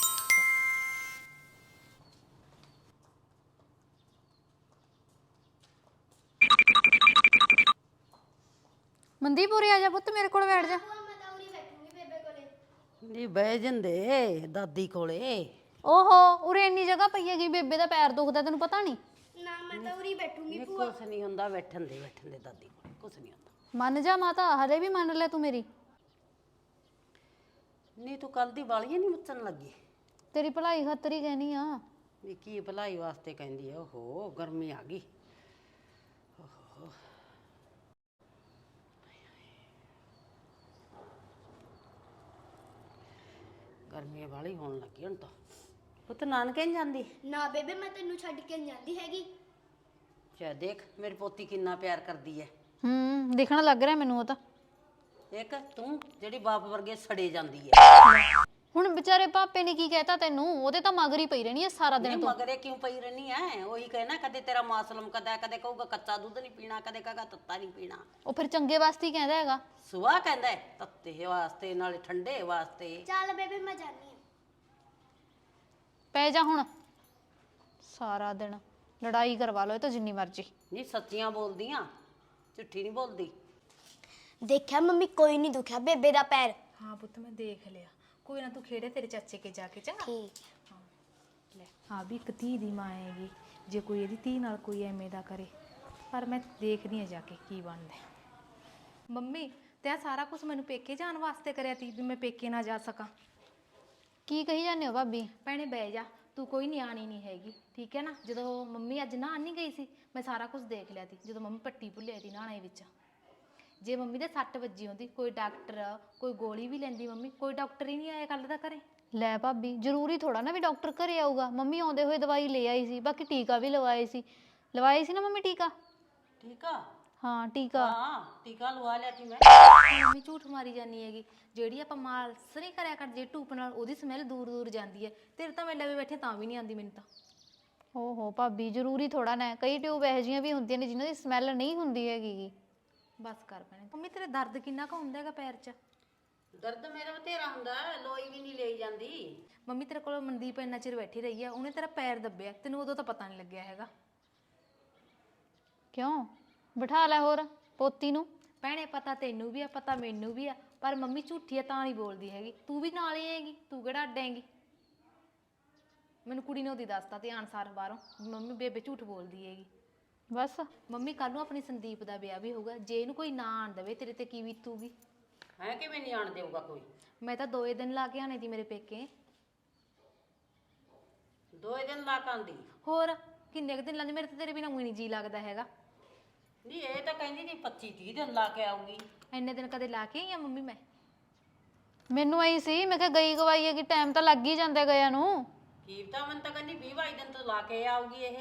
Speaker 1: ਮਨਦੀਪ ਉਰੇ ਆ ਜਾ ਪੁੱਤ, ਮੇਰੇ ਕੋਲ ਬੈਠ ਜਾ।
Speaker 3: ਮੈਂ ਤਾਂ ਉਰੀ ਬੈਠੂੰਗੀ ਬੇਬੇ ਕੋਲੇ।
Speaker 2: ਨਹੀਂ ਬਹਿ ਜਾਂਦੇ ਦਾਦੀ ਕੋਲੇ।
Speaker 1: ਓਹੋ, ਉਰੇ ਇੰਨੀ ਜਗ੍ਹਾ ਪਈ ਹੈਗੀ, ਬੇਬੇ ਦਾ ਪੈਰ ਦੁਖਦਾ ਤੈਨੂੰ ਪਤਾ ਨਹੀਂ?
Speaker 3: ਨਾ ਮੈਂ ਤਾਂ ਉਰੀ ਬੈਠੂੰਗੀ।
Speaker 2: ਨਹੀਂ ਕੁਛ ਨਹੀਂ ਹੁੰਦਾ, ਬੈਠਣ ਦੇ ਦਾਦੀ ਕੋਲੇ, ਕੁਛ ਨਹੀਂ ਹੁੰਦਾ।
Speaker 1: ਮੰਨ ਜਾ ਮਾਤਾ, ਹਲੇ ਵੀ ਮੰਨ ਲੈ ਤੂੰ ਮੇਰੀ।
Speaker 2: ਨਹੀਂ ਤੂੰ ਕੱਲ ਦੀ ਵਾਲੀਆਂ ਨਹੀਂ ਮੁੱਚਣ ਲੱਗੀ?
Speaker 1: ਤੇਰੀ ਭਲਾਈ ਖਾਤਰ ਹੀ ਕਹਿਨੀ ਆ।
Speaker 2: ਨਹੀਂ ਕੀ ਭਲਾਈ ਵਾਸਤੇ ਕਹਿੰਦੀ ਆ? ਓਹੋ ਗਰਮੀ ਆ ਗਈ। ਗਰਮੀ ਵਾਲੀ ਹੋਣ ਲੱਗੀ ਹੁਣ ਤਾਂ। ਪੁੱਤ ਨਾਨਕੇ ਨਹੀਂ ਜਾਂਦੀ?
Speaker 3: ਨਾ ਬੇਬੇ ਮੈਂ ਤੈਨੂੰ ਛੱਡ ਕੇ ਨੀ ਜਾਂਦੀ ਹੈਗੀ।
Speaker 2: ਚਾ ਦੇਖ ਮੇਰੀ ਪੋਤੀ ਕਿੰਨਾ ਪਿਆਰ ਕਰਦੀ ਹੈ।
Speaker 1: ਦਿਖਣ ਲੱਗ ਰਿਹਾ ਮੈਨੂੰ ਉਹ ਤਾਂ।
Speaker 2: ਇੱਕ ਤੂੰ ਜਿਹੜੀ ਬਾਪ ਵਰਗੇ ਸੜੇ ਜਾਂਦੀ ਹੈ।
Speaker 1: ਹੁਣ ਵਿਚਾਰੇ ਪਾਪੇ ਨੇ ਕੀ ਕਹਿਤਾ ਤੈਨੂੰ? ਉਹਦੇ ਤਾਂ ਮਗਰ ਹੀ ਪਈ ਰਹਿਣੀ ਹੈ ਸਾਰਾ ਦਿਨ
Speaker 2: ਨਹੀਂ
Speaker 1: ਤੋਂ।
Speaker 2: ਮਗਰੇ ਕਿਉਂ ਪਈ ਰਹਿਣੀ ਐ? ਉਹੀ ਕਹਿਣਾ, ਕਦੇ ਤੇਰਾ ਮਾਸਲਮ ਕਦਾ, ਕਦੇ ਕਹੂਗਾ ਕੱਚਾ ਦੁੱਧ ਨਹੀਂ ਪੀਣਾ, ਕਦੇ ਕਹੇਗਾ ਤੱਤਾ ਨਹੀਂ ਪੀਣਾ।
Speaker 1: ਉਹ ਫਿਰ ਚੰਗੇ ਵਾਸਤੇ ਹੀ ਕਹਿੰਦਾ ਹੈਗਾ।
Speaker 2: ਸੁਆ ਕਹਿੰਦਾ ਹੈ, ਤੱਤੇ ਵਾਸਤੇ ਨਾਲੇ ਠੰਡੇ ਵਾਸਤੇ।
Speaker 3: ਚੱਲ ਬੇਬੇ ਮੈਂ ਜਾਨੀ ਆ।
Speaker 1: ਪੈ ਜਾ ਹੁਣ, ਸਾਰਾ ਦਿਨ ਲੜਾਈ ਕਰਵਾ ਲਓ ਇਹ ਤਾਂ ਜਿੰਨੀ ਮਰਜ਼ੀ।
Speaker 2: ਨਹੀਂ ਸੱਚੀਆਂ ਬੋਲਦੀਆਂ, ਝੂਠੀ ਨਹੀਂ ਬੋਲਦੀ।
Speaker 3: ਦੇਖਿਆ ਮੰਮੀ, ਕੋਈ ਨਹੀਂ ਦੁਖਿਆ ਬੇਬੇ ਦਾ ਪੈਰ।
Speaker 4: ਹਾਂ ਪੁੱਤ ਮੈਂ ਦੇਖ ਲਿਆ, ਕੋਈ ਨਾ ਤੂੰ ਖੇੜੇ ਤੇਰੇ ਚਾਚੇ ਕੇ ਜਾ ਕੇ, ਚੰਗਾ?
Speaker 3: ਠੀਕ।
Speaker 4: ਲੈ ਹਾਂ ਵੀ ਇੱਕ ਧੀ ਦੀ ਮਾਂ ਹੈਗੀ, ਜੇ ਕੋਈ ਇਹਦੀ ਧੀ ਨਾਲ ਕੋਈ ਐਵੇਂ ਦਾ ਕਰੇ, ਪਰ ਮੈਂ ਦੇਖਦੀ ਆ ਜਾ ਕੇ ਕੀ ਬਣਦਾ। ਮੰਮੀ ਤੇ ਸਾਰਾ ਕੁਝ ਮੈਨੂੰ ਪੇਕੇ ਜਾਣ ਵਾਸਤੇ ਕਰਿਆ ਤੀ ਵੀ ਮੈਂ ਪੇਕੇ ਨਾ ਜਾ ਸਕਾਂ?
Speaker 1: ਕੀ ਕਹੀ ਜਾਂਦੇ ਹੋ ਭਾਬੀ?
Speaker 4: ਭੈਣੇ ਬਹਿ ਜਾ, ਤੂੰ ਕੋਈ ਨਿਆਣੀ ਨਹੀਂ ਹੈਗੀ, ਠੀਕ ਹੈ ਨਾ? ਜਦੋਂ ਮੰਮੀ ਅੱਜ ਨਹਾਉਣ ਨਹੀਂ ਗਈ ਸੀ, ਮੈਂ ਸਾਰਾ ਕੁਝ ਦੇਖ ਲਿਆ ਤੀ। ਜਦੋਂ ਮੰਮੀ ਪੱਟੀ ਭੁੱਲਿਆ ਤੀ ਨਹਾਣੇ ਵਿੱਚ, ਜੇ ਮੰਮੀ ਦੇ ਸੱਟ ਵੱਜੀ ਹੁੰਦੀ, ਕੋਈ ਡਾਕਟਰ ਕੋਈ ਗੋਲੀ ਵੀ ਲੈਂਦੀ ਮੰਮੀ, ਕੋਈ ਡਾਕਟਰ ਹੀ ਨਹੀਂ ਆਇਆ ਕੱਲ ਦਾ ਘਰੇ।
Speaker 1: ਲੈ ਭਾਬੀ, ਜ਼ਰੂਰੀ ਥੋੜਾ ਨਾ ਵੀ ਡਾਕਟਰ ਘਰੇ ਆਊਗਾ। ਮੰਮੀ ਆਉਂਦੇ ਹੋਏ ਦਵਾਈ ਲੈ ਆਈ ਸੀ, ਬਾਕੀ ਟੀਕਾ ਵੀ ਲਵਾਏ ਸੀ ਨਾ ਮੰਮੀ ਟੀਕਾ?
Speaker 2: ਠੀਕ ਆ।
Speaker 1: ਹਾਂ ਟੀਕਾ।
Speaker 2: ਹਾਂ ਟੀਕਾ ਲਵਾ ਲਿਆ ਸੀ ਮੈਂ।
Speaker 4: ਮੰਮੀ ਝੂਠ ਮਾਰੀ ਜਾਨੀ ਹੈਗੀ, ਜਿਹੜੀ ਆਪਾਂ ਮਾਲਸ਼ ਨਹੀਂ ਕਰਿਆ ਕਰ ਜੇ ਧੂਪ ਨਾਲ, ਉਹਦੀ ਸਮੈਲ ਦੂਰ ਦੂਰ ਜਾਂਦੀ ਹੈ। ਤੇਰੇ ਤਾਂ ਮੈਂ ਲਵੇ ਬੈਠੇ ਤਾਂ ਵੀ ਨਹੀਂ ਆਉਂਦੀ ਮੈਨੂੰ ਤਾਂ।
Speaker 1: ਓਹੋ ਭਾਬੀ, ਜ਼ਰੂਰੀ ਥੋੜਾ ਨਾ, ਕਈ ਟਿਊਬ ਇਹੋ ਜਿਹੀਆਂ ਵੀ ਹੁੰਦੀਆਂ ਨੇ ਜਿਨ੍ਹਾਂ ਦੀ ਸਮੈਲ ਨਹੀਂ ਹੁੰਦੀ ਹੈਗੀ।
Speaker 4: ਬਸ ਕਰ ਭੈਣੇ। ਮੰਮੀ ਤੇਰੇ ਦਰਦ ਕਿੰਨਾ ਕੁ ਹੁੰਦਾ ਹੈਗਾ ਪੈਰ 'ਚ?
Speaker 2: ਦਰਦ ਮੇਰਾ ਬਥੇਰਾ ਹੁੰਦਾ, ਲੋਈ ਵੀ ਨਹੀਂ ਲਈ ਜਾਂਦੀ।
Speaker 4: ਮੰਮੀ ਤੇਰੇ ਕੋਲ ਮਨਦੀਪ ਇੰਨਾ ਚਿਰ ਬੈਠੀ ਰਹੀ ਆ, ਉਹਨੇ ਤੇਰਾ ਪੈਰ ਦੱਬਿਆ, ਤੈਨੂੰ ਉਦੋਂ ਤਾਂ ਪਤਾ ਨਹੀਂ ਲੱਗਿਆ ਹੈਗਾ।
Speaker 1: ਕਿਉਂ? ਬਿਠਾ ਲੈ ਹੋਰ ਪੋਤੀ ਨੂੰ।
Speaker 4: ਭੈਣੇ ਪਤਾ ਤੈਨੂੰ ਵੀ ਆ, ਪਤਾ ਮੈਨੂੰ ਵੀ ਆ, ਪਰ ਮੰਮੀ ਝੂਠੀ ਆ ਤਾਂ ਨਹੀਂ ਬੋਲਦੀ ਹੈਗੀ। ਤੂੰ ਵੀ ਨਾਲ ਹੀ ਹੈਗੀ, ਤੂੰ ਕਿਹੜਾ ਅੱਡ ਹੈਗੀ? ਮੈਨੂੰ ਕੁੜੀ ਨੇ ਉਹਦੀ ਦੱਸਤਾ ਧਿਆਨ ਸਾਰ ਬਾਹਰੋਂ, ਮੰਮੀ ਬੇਬੇ ਝੂਠ ਬੋਲਦੀ ਹੈਗੀ।
Speaker 1: ਬਸ
Speaker 4: ਮੰਮੀ ਕੱਲ ਨੂੰ ਆਪਣੀ ਸੰਦੀਪ ਦਾ ਵਿਆਹ ਵੀ ਹੋਊਗਾ, ਜੇ ਇਹਨੂੰ ਕੋਈ ਨਾ ਆਣ ਦੇਵੇ ਤੇਰੇ ਤੇ ਕੀ ਬੀਤੂਗੀ?
Speaker 2: ਹੈ ਕਿਵੇਂ ਨਹੀਂ ਆਣ ਦੇਊਗਾ ਕੋਈ?
Speaker 4: ਮੈਂ ਤਾਂ 2 ਦਿਨ ਲਾ ਕੇ ਆਣੇ ਦੀ ਮੇਰੇ ਪੇਕੇ।
Speaker 2: 2 ਦਿਨ ਲਾ ਕੇ ਆਂਦੀ?
Speaker 4: ਹੋਰ ਕਿੰਨੇ ਕੁ ਦਿਨ ਲਾਂਦੀ? ਮੇਰੇ ਤਾਂ ਤੇਰੇ ਬਿਨਾਂ ਊਂ ਨਹੀਂ ਜੀ ਲੱਗਦਾ ਹੈਗਾ।
Speaker 2: ਨਹੀਂ ਇਹ ਤਾਂ ਕਹਿੰਦੀ ਨਹੀਂ 25-30 ਦਿਨ ਲਾ ਕੇ ਆਊਗੀ।
Speaker 4: ਇੰਨੇ ਦਿਨ ਕਦੇ ਲਾ ਕੇ ਆਈ ਆ ਮੰਮੀ ਮੈਂ?
Speaker 1: ਮੈਨੂੰ ਆਈ ਸੀ, ਮੈਂ ਕਿਹਾ ਗਈ ਗਵਾਈ ਹੈਗੀ, ਟਾਈਮ ਤਾਂ ਲੱਗ ਹੀ ਜਾਂਦਾ ਗਿਆ ਨੂੰ।
Speaker 2: ਕੀਪਤਾ ਮਨ ਤਾਂ ਕਹਿੰਦੀ 20-22 ਦਿਨ ਤੋਂ ਲਾ ਕੇ ਆਊਗੀ ਇਹ।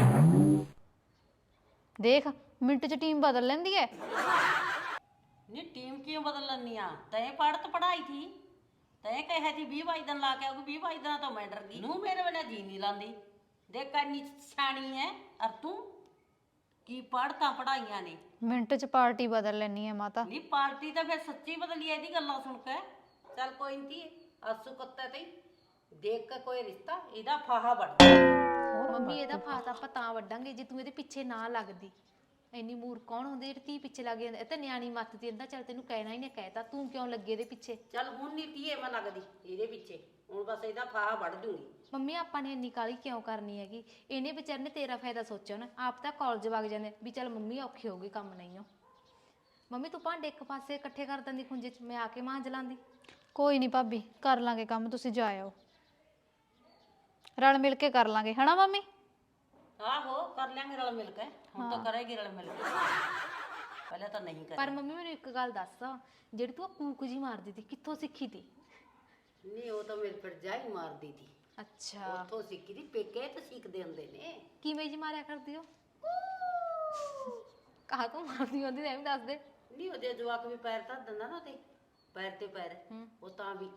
Speaker 1: ਦੇਖ ਮਿੰਟ 'ਚ ਟੀਮ ਬਦਲ ਲੈਂਦੀ ਐ।
Speaker 2: ਨਹੀਂ ਟੀਮ ਕਿਉਂ ਬਦਲ ਲੈਂਦੀ ਆ? ਤੈਂ ਪੜ੍ਹਤ ਪੜਾਈ ਥੀ, ਤੈਂ ਕਿਹਾ ਸੀ 20-22 ਦਿਨ ਲਾ ਕੇ ਆਊਗੀ। 20-22 ਦਿਨਾਂ ਤੋਂ ਮੈਂ ਡਰ ਗਈ। ਨੂੰ ਮੇਰੇ ਬਿਨਾਂ ਜੀ ਨਹੀਂ ਲਾਂਦੀ। ਦੇਖ ਕੰਨੀ ਸਿਆਣੀ ਐ ਅਰ ਤੂੰ ਕੀ ਪੜ੍ਹਤਾ ਪੜਾਈਆਂ ਨੇ।
Speaker 1: ਮਿੰਟ 'ਚ ਪਾਰਟੀ ਬਦਲ ਲੈਣੀ ਐ ਮਾਤਾ।
Speaker 2: ਨਹੀਂ ਪਾਰਟੀ ਤਾਂ ਫਿਰ ਸੱਚੀ ਬਦਲੀ ਐ ਇਹਦੀ ਗੱਲਾਂ ਸੁਣ ਕੇ। ਚੱਲ ਕੋਈ ਨਹੀਂ ਆਸੂ ਕੁੱਤੇ ਤੇ ਦੇਖ ਕੇ ਕੋਈ ਰਿਸ਼ਤਾ ਇਹਦਾ ਫਾਹਾ ਵੱਢ।
Speaker 4: ਮੰਮੀ ਇਹਦਾ ਫਾਸ ਆਪਾਂ ਤਾਂ ਵੱਢਾਂਗੇ ਜੇ ਤੂੰ ਇਹਦੇ ਪਿੱਛੇ ਨਾ ਲੱਗਦੀ। ਇੰਨੀ ਮੂਰ ਕੌਣ ਹੁੰਦੀ ਜਿਹੜੀ ਧੀ ਪਿੱਛੇ ਲੱਗ ਜਾਂਦਾ? ਇਹ ਤਾਂ ਨਿਆਣੀ ਮੱਤ ਦੀ ਇਹਦਾ। ਚੱਲ ਤੈਨੂੰ ਕਹਿਣਾ ਹੀ ਨੇ ਕਹਿਤਾ, ਤੂੰ ਕਿਉਂ ਲੱਗੇ ਇਹਦੇ ਪਿੱਛੇ?
Speaker 2: ਚੱਲ ਹੁਣ ਨਹੀਂ ਧੀਏ ਮੈਂ ਲੱਗਦੀ ਇਹਦੇ ਪਿੱਛੇ, ਹੁਣ ਬਸ ਇਹਦਾ ਫਾਹਾ ਵੱਢ ਦੂੰਗੀ।
Speaker 4: ਮੰਮੀ ਆਪਾਂ ਨੇ ਇੰਨੀ ਕਾਹਲੀ ਕਿਉਂ ਕਰਨੀ ਹੈਗੀ? ਇਹਨੇ ਵਿਚਾਰੇ ਨੇ ਤੇਰਾ ਫਾਇਦਾ ਸੋਚਿਆ ਨਾ। ਆਪ ਤਾਂ ਕਾਲਜ ਵਗ ਜਾਂਦੇ ਵੀ ਚੱਲ ਮੰਮੀ ਔਖੀ ਹੋਊਗੀ, ਕੰਮ ਨਹੀਂ ਹੋ। ਮੰਮੀ ਤੂੰ ਭਾਂਡੇ ਇੱਕ ਪਾਸੇ ਇਕੱਠੇ ਕਰ ਦਿੰਦੀ ਖੁੰਝੇ 'ਚ, ਮੈਂ ਆ ਕੇ ਮਾਂਜ ਲਾਂਦੀ।
Speaker 1: ਕੋਈ ਨਹੀਂ ਭਾਬੀ, ਕਰ ਲਾਂਗੇ ਕੰਮ, ਤੁਸੀਂ ਜਾ ਆਓ। ਰਲ ਮਿਲ ਕੇ ਕਰ ਲਾਂਗੇ, ਹਨਾ ਮੰਮੀ?
Speaker 2: ਆਹੋ ਕਰ ਲਿਆਂਗੇ ਰਲ ਮਿਲ ਕੇ। ਹੁਣ ਤਾਂ ਕਰੇਗੀ ਰਲ ਮਿਲ ਕੇ, ਪਹਿਲਾਂ ਤਾਂ ਨਹੀਂ ਕਰੀ।
Speaker 4: ਪਰ ਮੰਮੀ ਮੈਨੂੰ ਇੱਕ ਗੱਲ ਦੱਸ, ਜਿਹੜੀ ਤੂੰ ਕੂਕ ਜੀ ਮਾਰਦੀ ਤੀ ਕਿੱਥੋਂ ਸਿੱਖੀ ਤੀ?
Speaker 2: ਨਹੀਂ ਉਹ ਤਾਂ ਮੇਰੇ ਭਰਜਾਈ ਮਾਰਦੀ ਸੀ।
Speaker 4: ਅੱਛਾ
Speaker 2: ਉੱਥੋਂ ਸਿੱਖੀ ਦੀ। ਪੇਕੇ ਤਾਂ ਸਿੱਖਦੇ ਹੁੰਦੇ ਨੇ।
Speaker 4: ਕਿਵੇਂ ਜੀ ਮਾਰਿਆ ਕਰਦੀ ਹੋ? ਕਹਾ ਤੂੰ ਮਾਰਦੀ ਹੁੰਦੀ ਐਵੇਂ ਦੱਸ ਦੇ।
Speaker 2: ਨਹੀਂ ਉਹਦੇ ਜਵਾਕ ਵੀ ਪੈਰ ਧਰ ਦਿੰਦਾ ਨਾ ਤੇ ਪੈਰ ਤੇ ਪੈਰ, ਉਹ ਤਾਂ ਵੀ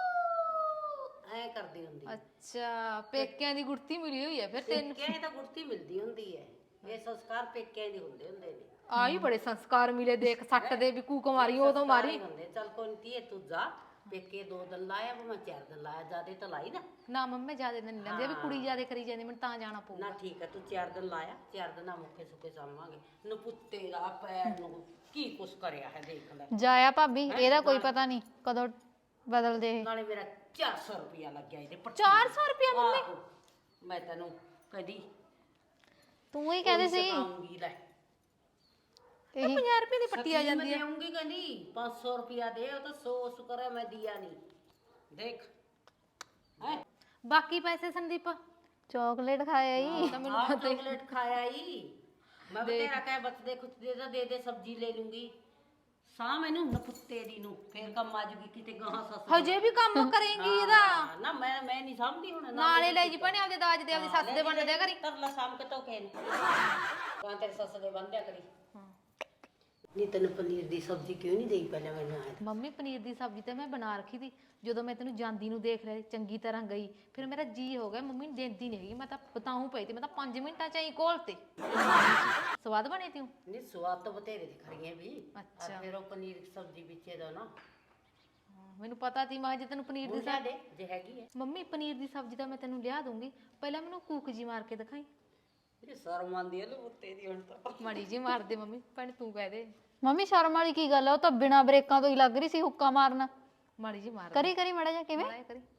Speaker 2: ਐ ਕਰਦੀ ਹੁੰਦੀ।
Speaker 4: ਅੱਛਾ ਪੇਕਿਆਂ ਦੀ ਗੁੜਤੀ ਮਿਲੀ ਹੋਈ ਹੈ ਫਿਰ ਤੈਨੂੰ।
Speaker 2: ਪੇਕਿਆਂ ਤਾਂ ਗੁੜਤੀ ਮਿਲਦੀ ਹੁੰਦੀ ਹੈ। ਇਹ ਸੰਸਕਾਰ ਪੇਕਿਆਂ ਦੇ ਹੁੰਦੇ ਹੁੰਦੇ ਨੇ।
Speaker 4: ਆਹੀ ਬੜੇ ਸੰਸਕਾਰ ਮਿਲੇ। ਦੇਖ ਸੱਟ ਦੇ ਵੀ ਕੂਕ ਮਾਰੀ ਉਦੋਂ ਮਾਰੀ।
Speaker 2: ਹੁੰਦੇ ਚੱਲ ਕੋਈ ਨਹੀਂ ਤੂੰ ਜਾ ਪੇਕੇ 2 ਦਿਨ ਲਾਇਆ ਮੈਂ 4 ਦਿਨ ਲਾਇਆ, ਜਿਆਦੇ ਤਾਂ ਲਾਈ ਨਾ।
Speaker 4: ਨਾ ਮੰਮੀ ਜਿਆਦੇ ਦਿਨ ਨਹੀਂ ਲੈਂਦੀ, ਵੀ ਕੁੜੀ ਜਿਆਦੇ ਕਰੀ ਜਾਂਦੀ ਮੈਨੂੰ ਤਾਂ ਜਾਣਾ ਪਊਗਾ।
Speaker 2: ਨਾ ਠੀਕ ਹੈ ਤੂੰ 4 ਦਿਨ ਲਾਇਆ, 4 ਦਿਨਾਂ ਮੁੱਕੇ ਸੁੱਕੇ ਸਾਂਭਾਂਗੇ। ਨਪੁੱਤੇ ਦਾ ਪੈਰ ਨੂੰ ਕੀ ਕੁਛ ਕਰਿਆ ਹੈ ਦੇਖ ਲੈ।
Speaker 1: ਜਾਇਆ ਭਾਬੀ, ਇਹਦਾ ਕੋਈ ਪਤਾ ਨਹੀਂ ਕਦੋਂ ਬਦਲਦੇ ਇਹ।
Speaker 2: ਨਾਲੇ ਮੇਰਾ 400 ਰੁਪਇਆ ਲੱਗਿਆ ਇਹਦੇ ਪੱਟੀ।
Speaker 4: 400 ਰੁਪਇਆ ਮੰਮੀ?
Speaker 2: ਆਹੋ, ਮੈਂ ਤੈਨੂੰ ਕਦੀ
Speaker 1: ਤੂੰ ਹੀ ਕਹਿੰਦੇ ਸੀ
Speaker 2: ਆਉਂਗੀ ਲੈ
Speaker 1: ਇਹੀ
Speaker 4: 50 ਰੁਪਏ ਦੀ ਪੱਟੀ ਆ ਜਾਂਦੀ
Speaker 2: ਮੈਂ
Speaker 4: ਹੈ।
Speaker 2: ਦੇਉਂਗੀ ਕਹਿੰਦੀ 500 ਰੁਪਇਆ ਦੇ। ਉਹ ਤਾਂ 100 ਸ਼ੁਕਰ ਹੈ ਮੈਂ ਦਿਆ ਨਹੀਂ। ਦੇਖ ਹੈ
Speaker 4: ਬਾਕੀ ਪੈਸੇ ਸੰਦੀਪ
Speaker 1: ਚਾਕਲੇਟ ਖਾਇਆ ਹੀ।
Speaker 4: ਤਾਂ ਮੈਨੂੰ
Speaker 2: ਆਹ ਚਾਕਲੇਟ ਖਾਇਆ ਹੀ ਮੈਂ। ਬਤੇਰਾ ਕਹਿ ਬਚਦੇ ਕੁਛ ਦੇ ਤਾਂ ਦੇ ਦੇ, ਸਬਜ਼ੀ ਲੈ ਲੂੰਗੀ। ਸਾਹ ਮੈਨੂੰ ਨਪੁੱਤੇ ਦੀ ਨੂੰ ਫੇਰ ਕੰਮ ਆ ਜੂਗੀ ਕਿਤੇ ਗਾਹਾਂ ਸੱਸ।
Speaker 4: ਹਜੇ ਵੀ ਕੰਮ ਕਰੇਂਗੀ ਇਹਦਾ?
Speaker 2: ਨਾ ਮੈਂ ਨਹੀਂ ਸਮਝਦੀ ਹੁਣ।
Speaker 4: ਨਾਲੇ ਲੈ ਜੀ ਭਣੇ ਆਪਦੇ ਦਾਜ ਦੇ, ਆਪਦੀ ਸੱਸ ਦੇ ਬੰਨ ਦਿਆ ਕਰੀ।
Speaker 2: ਤਰਲਾ ਸਾਮ ਕੇ ਧੋਕੇ ਨੇ ਕਾਂ ਤੇਰੇ ਸੱਸ ਦੇ ਬੰਦਿਆ ਕਰੀ। ਨਹੀਂ ਤੈਨੂੰ ਪਨੀਰ ਦੀ ਸਬਜ਼ੀ ਕਿਉਂ ਨਹੀਂ ਦੇਈ ਪਹਿਲਾਂ ਮੈਨੂੰ ਆਇਆ?
Speaker 4: ਮੰਮੀ ਪਨੀਰ ਦੀ ਸਬਜ਼ੀ ਤਾਂ ਮੈਂ ਬਣਾ ਰੱਖੀ ਸੀ। ਜਦੋਂ ਮੈਂ ਤੈਨੂੰ ਜਾਂਦੀ ਨੂੰ ਦੇਖ ਲਿਆ ਚੰਗੀ ਤਰ੍ਹਾਂ ਗਈ, ਫਿਰ ਮੇਰਾ ਜੀ ਹੋ ਗਿਆ ਮੰਮੀ ਨੂੰ ਦੇਂਦੀ ਨਹੀਂ ਹੈਗੀ। ਮੈਂ ਤਾਂ ਬਤਾਉਂ ਪਈ ਤੇ ਮੈਂ ਤਾਂ 5 ਮਿੰਟਾਂ ਚ ਹੀ ਘੋਲ ਤੇ। ਸਵਾਦ ਬਣੀ ਤੀ?
Speaker 2: ਨਹੀਂ ਸਵਾਦ ਤਾਂ ਬਤੇਰੇ ਦੀ ਖੜੀਆਂ ਵੀ।
Speaker 4: ਅੱਛਾ।
Speaker 2: ਫਿਰ ਉਹ ਪਨੀਰ ਦੀ ਸਬਜ਼ੀ ਵਿੱਚੇ ਦਾ ਨਾ
Speaker 4: ਮੈਨੂੰ ਪਤਾ ਸੀ ਮੈਂ ਜੇ ਤੈਨੂੰ ਪਨੀਰ ਦੀ
Speaker 2: ਬੁਝਾ ਦੇ ਜੇ ਹੈਗੀ ਹੈ।
Speaker 4: ਮੰਮੀ ਪਨੀਰ ਦੀ ਸਬਜ਼ੀ ਤਾਂ ਮੈਂ ਤੈਨੂੰ ਲਿਆ ਦੂੰਗੀ, ਪਹਿਲਾਂ ਮੈਨੂੰ ਕੂਕ ਜੀ ਮਾਰ ਕੇ ਦਿਖਾਈ।
Speaker 2: ਇਹ ਸ਼ਰਮ ਆਉਂਦੀ ਹੈ ਲੁੱਤੇ ਦੀ ਹੁਣ ਤਾਂ।
Speaker 4: ਮਾੜੀ ਜੀ ਮਾਰ ਦੇ ਮੰਮੀ, ਭੈਣ ਤੂੰ ਕਹਿ ਦੇ।
Speaker 1: ਮੰਮੀ ਸ਼ਰਮ ਵਾਲੀ ਕੀ ਗੱਲ ਆ? ਉਹ ਤਾਂ ਬਿਨਾਂ ਬ੍ਰੇਕਾਂ ਤੋਂ ਹੀ ਲੱਗ ਰਹੀ ਸੀ ਹੁੱਕਾ ਮਾਰਨਾ।
Speaker 4: ਮਾੜੀ ਜੀ ਮਾਰ
Speaker 1: ਕਰੀ ਕਰੀ ਮੜਾ ਜਾ। ਕਿਵੇਂ
Speaker 4: ਮਾੜਾ ਕਰੀ?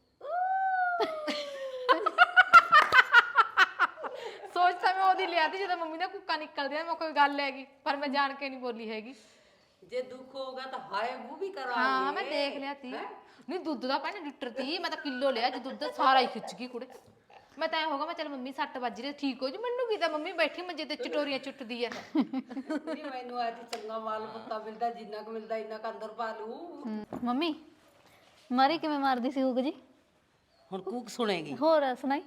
Speaker 4: ਸੋਚ ਤਾਂ ਮੈਂ ਉਹਦੀ ਲਿਆ ਤੀ ਜਦੋਂ ਮੰਮੀ ਦਾ ਕੁੱਕਾ ਨਿਕਲਦਿਆ, ਮੈਂ ਕੋਈ ਗੱਲ ਹੈਗੀ ਪਰ ਮੈਂ ਜਾਣ ਕੇ ਨਹੀਂ ਬੋਲੀ ਹੈਗੀ।
Speaker 2: ਜੇ ਦੁੱਖ ਹੋਗਾ ਤਾਂ ਹਾਏ ਮੂੰਹ ਵੀ ਕਰਾਂਗੇ।
Speaker 4: ਹਾਂ ਮੈਂ ਦੇਖ ਲਿਆ ਤੀ। ਨਹੀਂ ਦੁੱਧ ਦਾ ਭੈਣ ਲੀਟਰ ਤੀ, ਮੈਂ ਤਾਂ ਕਿਲੋ ਲਿਆ। ਜੇ ਦੁੱਧ ਸਾਰਾ ਹੀ ਖਿੱਚ ਗਈ ਕੁੜੇ। ਮੈਂ ਤਾਂ ਐ ਹੋਗਾ ਮੈਂ ਚੱਲ ਮੰਮੀ 6 ਵੱਜ ਰਹੇ ਠੀਕ ਹੋ ਜੀ। ਮੈਨੂੰ ਕੀ ਤਾਂ ਮੰਮੀ ਬੈਠੀ ਮੰਜੇ ਤੇ ਚਟੋਰੀਆਂ ਚੁੱਟਦੀ ਐ।
Speaker 2: ਨਹੀਂ ਮੈਨੂੰ ਅੱਜ ਚੰਗਾ ਮਾਲ ਪੱਤਾ ਮਿਲਦਾ, ਜਿੰਨਾ ਕੁ ਮਿਲਦਾ ਇੰਨਾ ਕੁ ਅੰਦਰ ਪਾ ਲੂ।
Speaker 1: ਮੰਮੀ ਮਾਰੀ ਕਿਵੇਂ ਮਾਰਦੀ ਸੀ ਹੁੱਕ ਜੀ?
Speaker 2: ਹੁਣ ਕੂਕ ਸੁਣੇਗੀ।
Speaker 1: ਹੋਰ ਸੁਣਾਈ।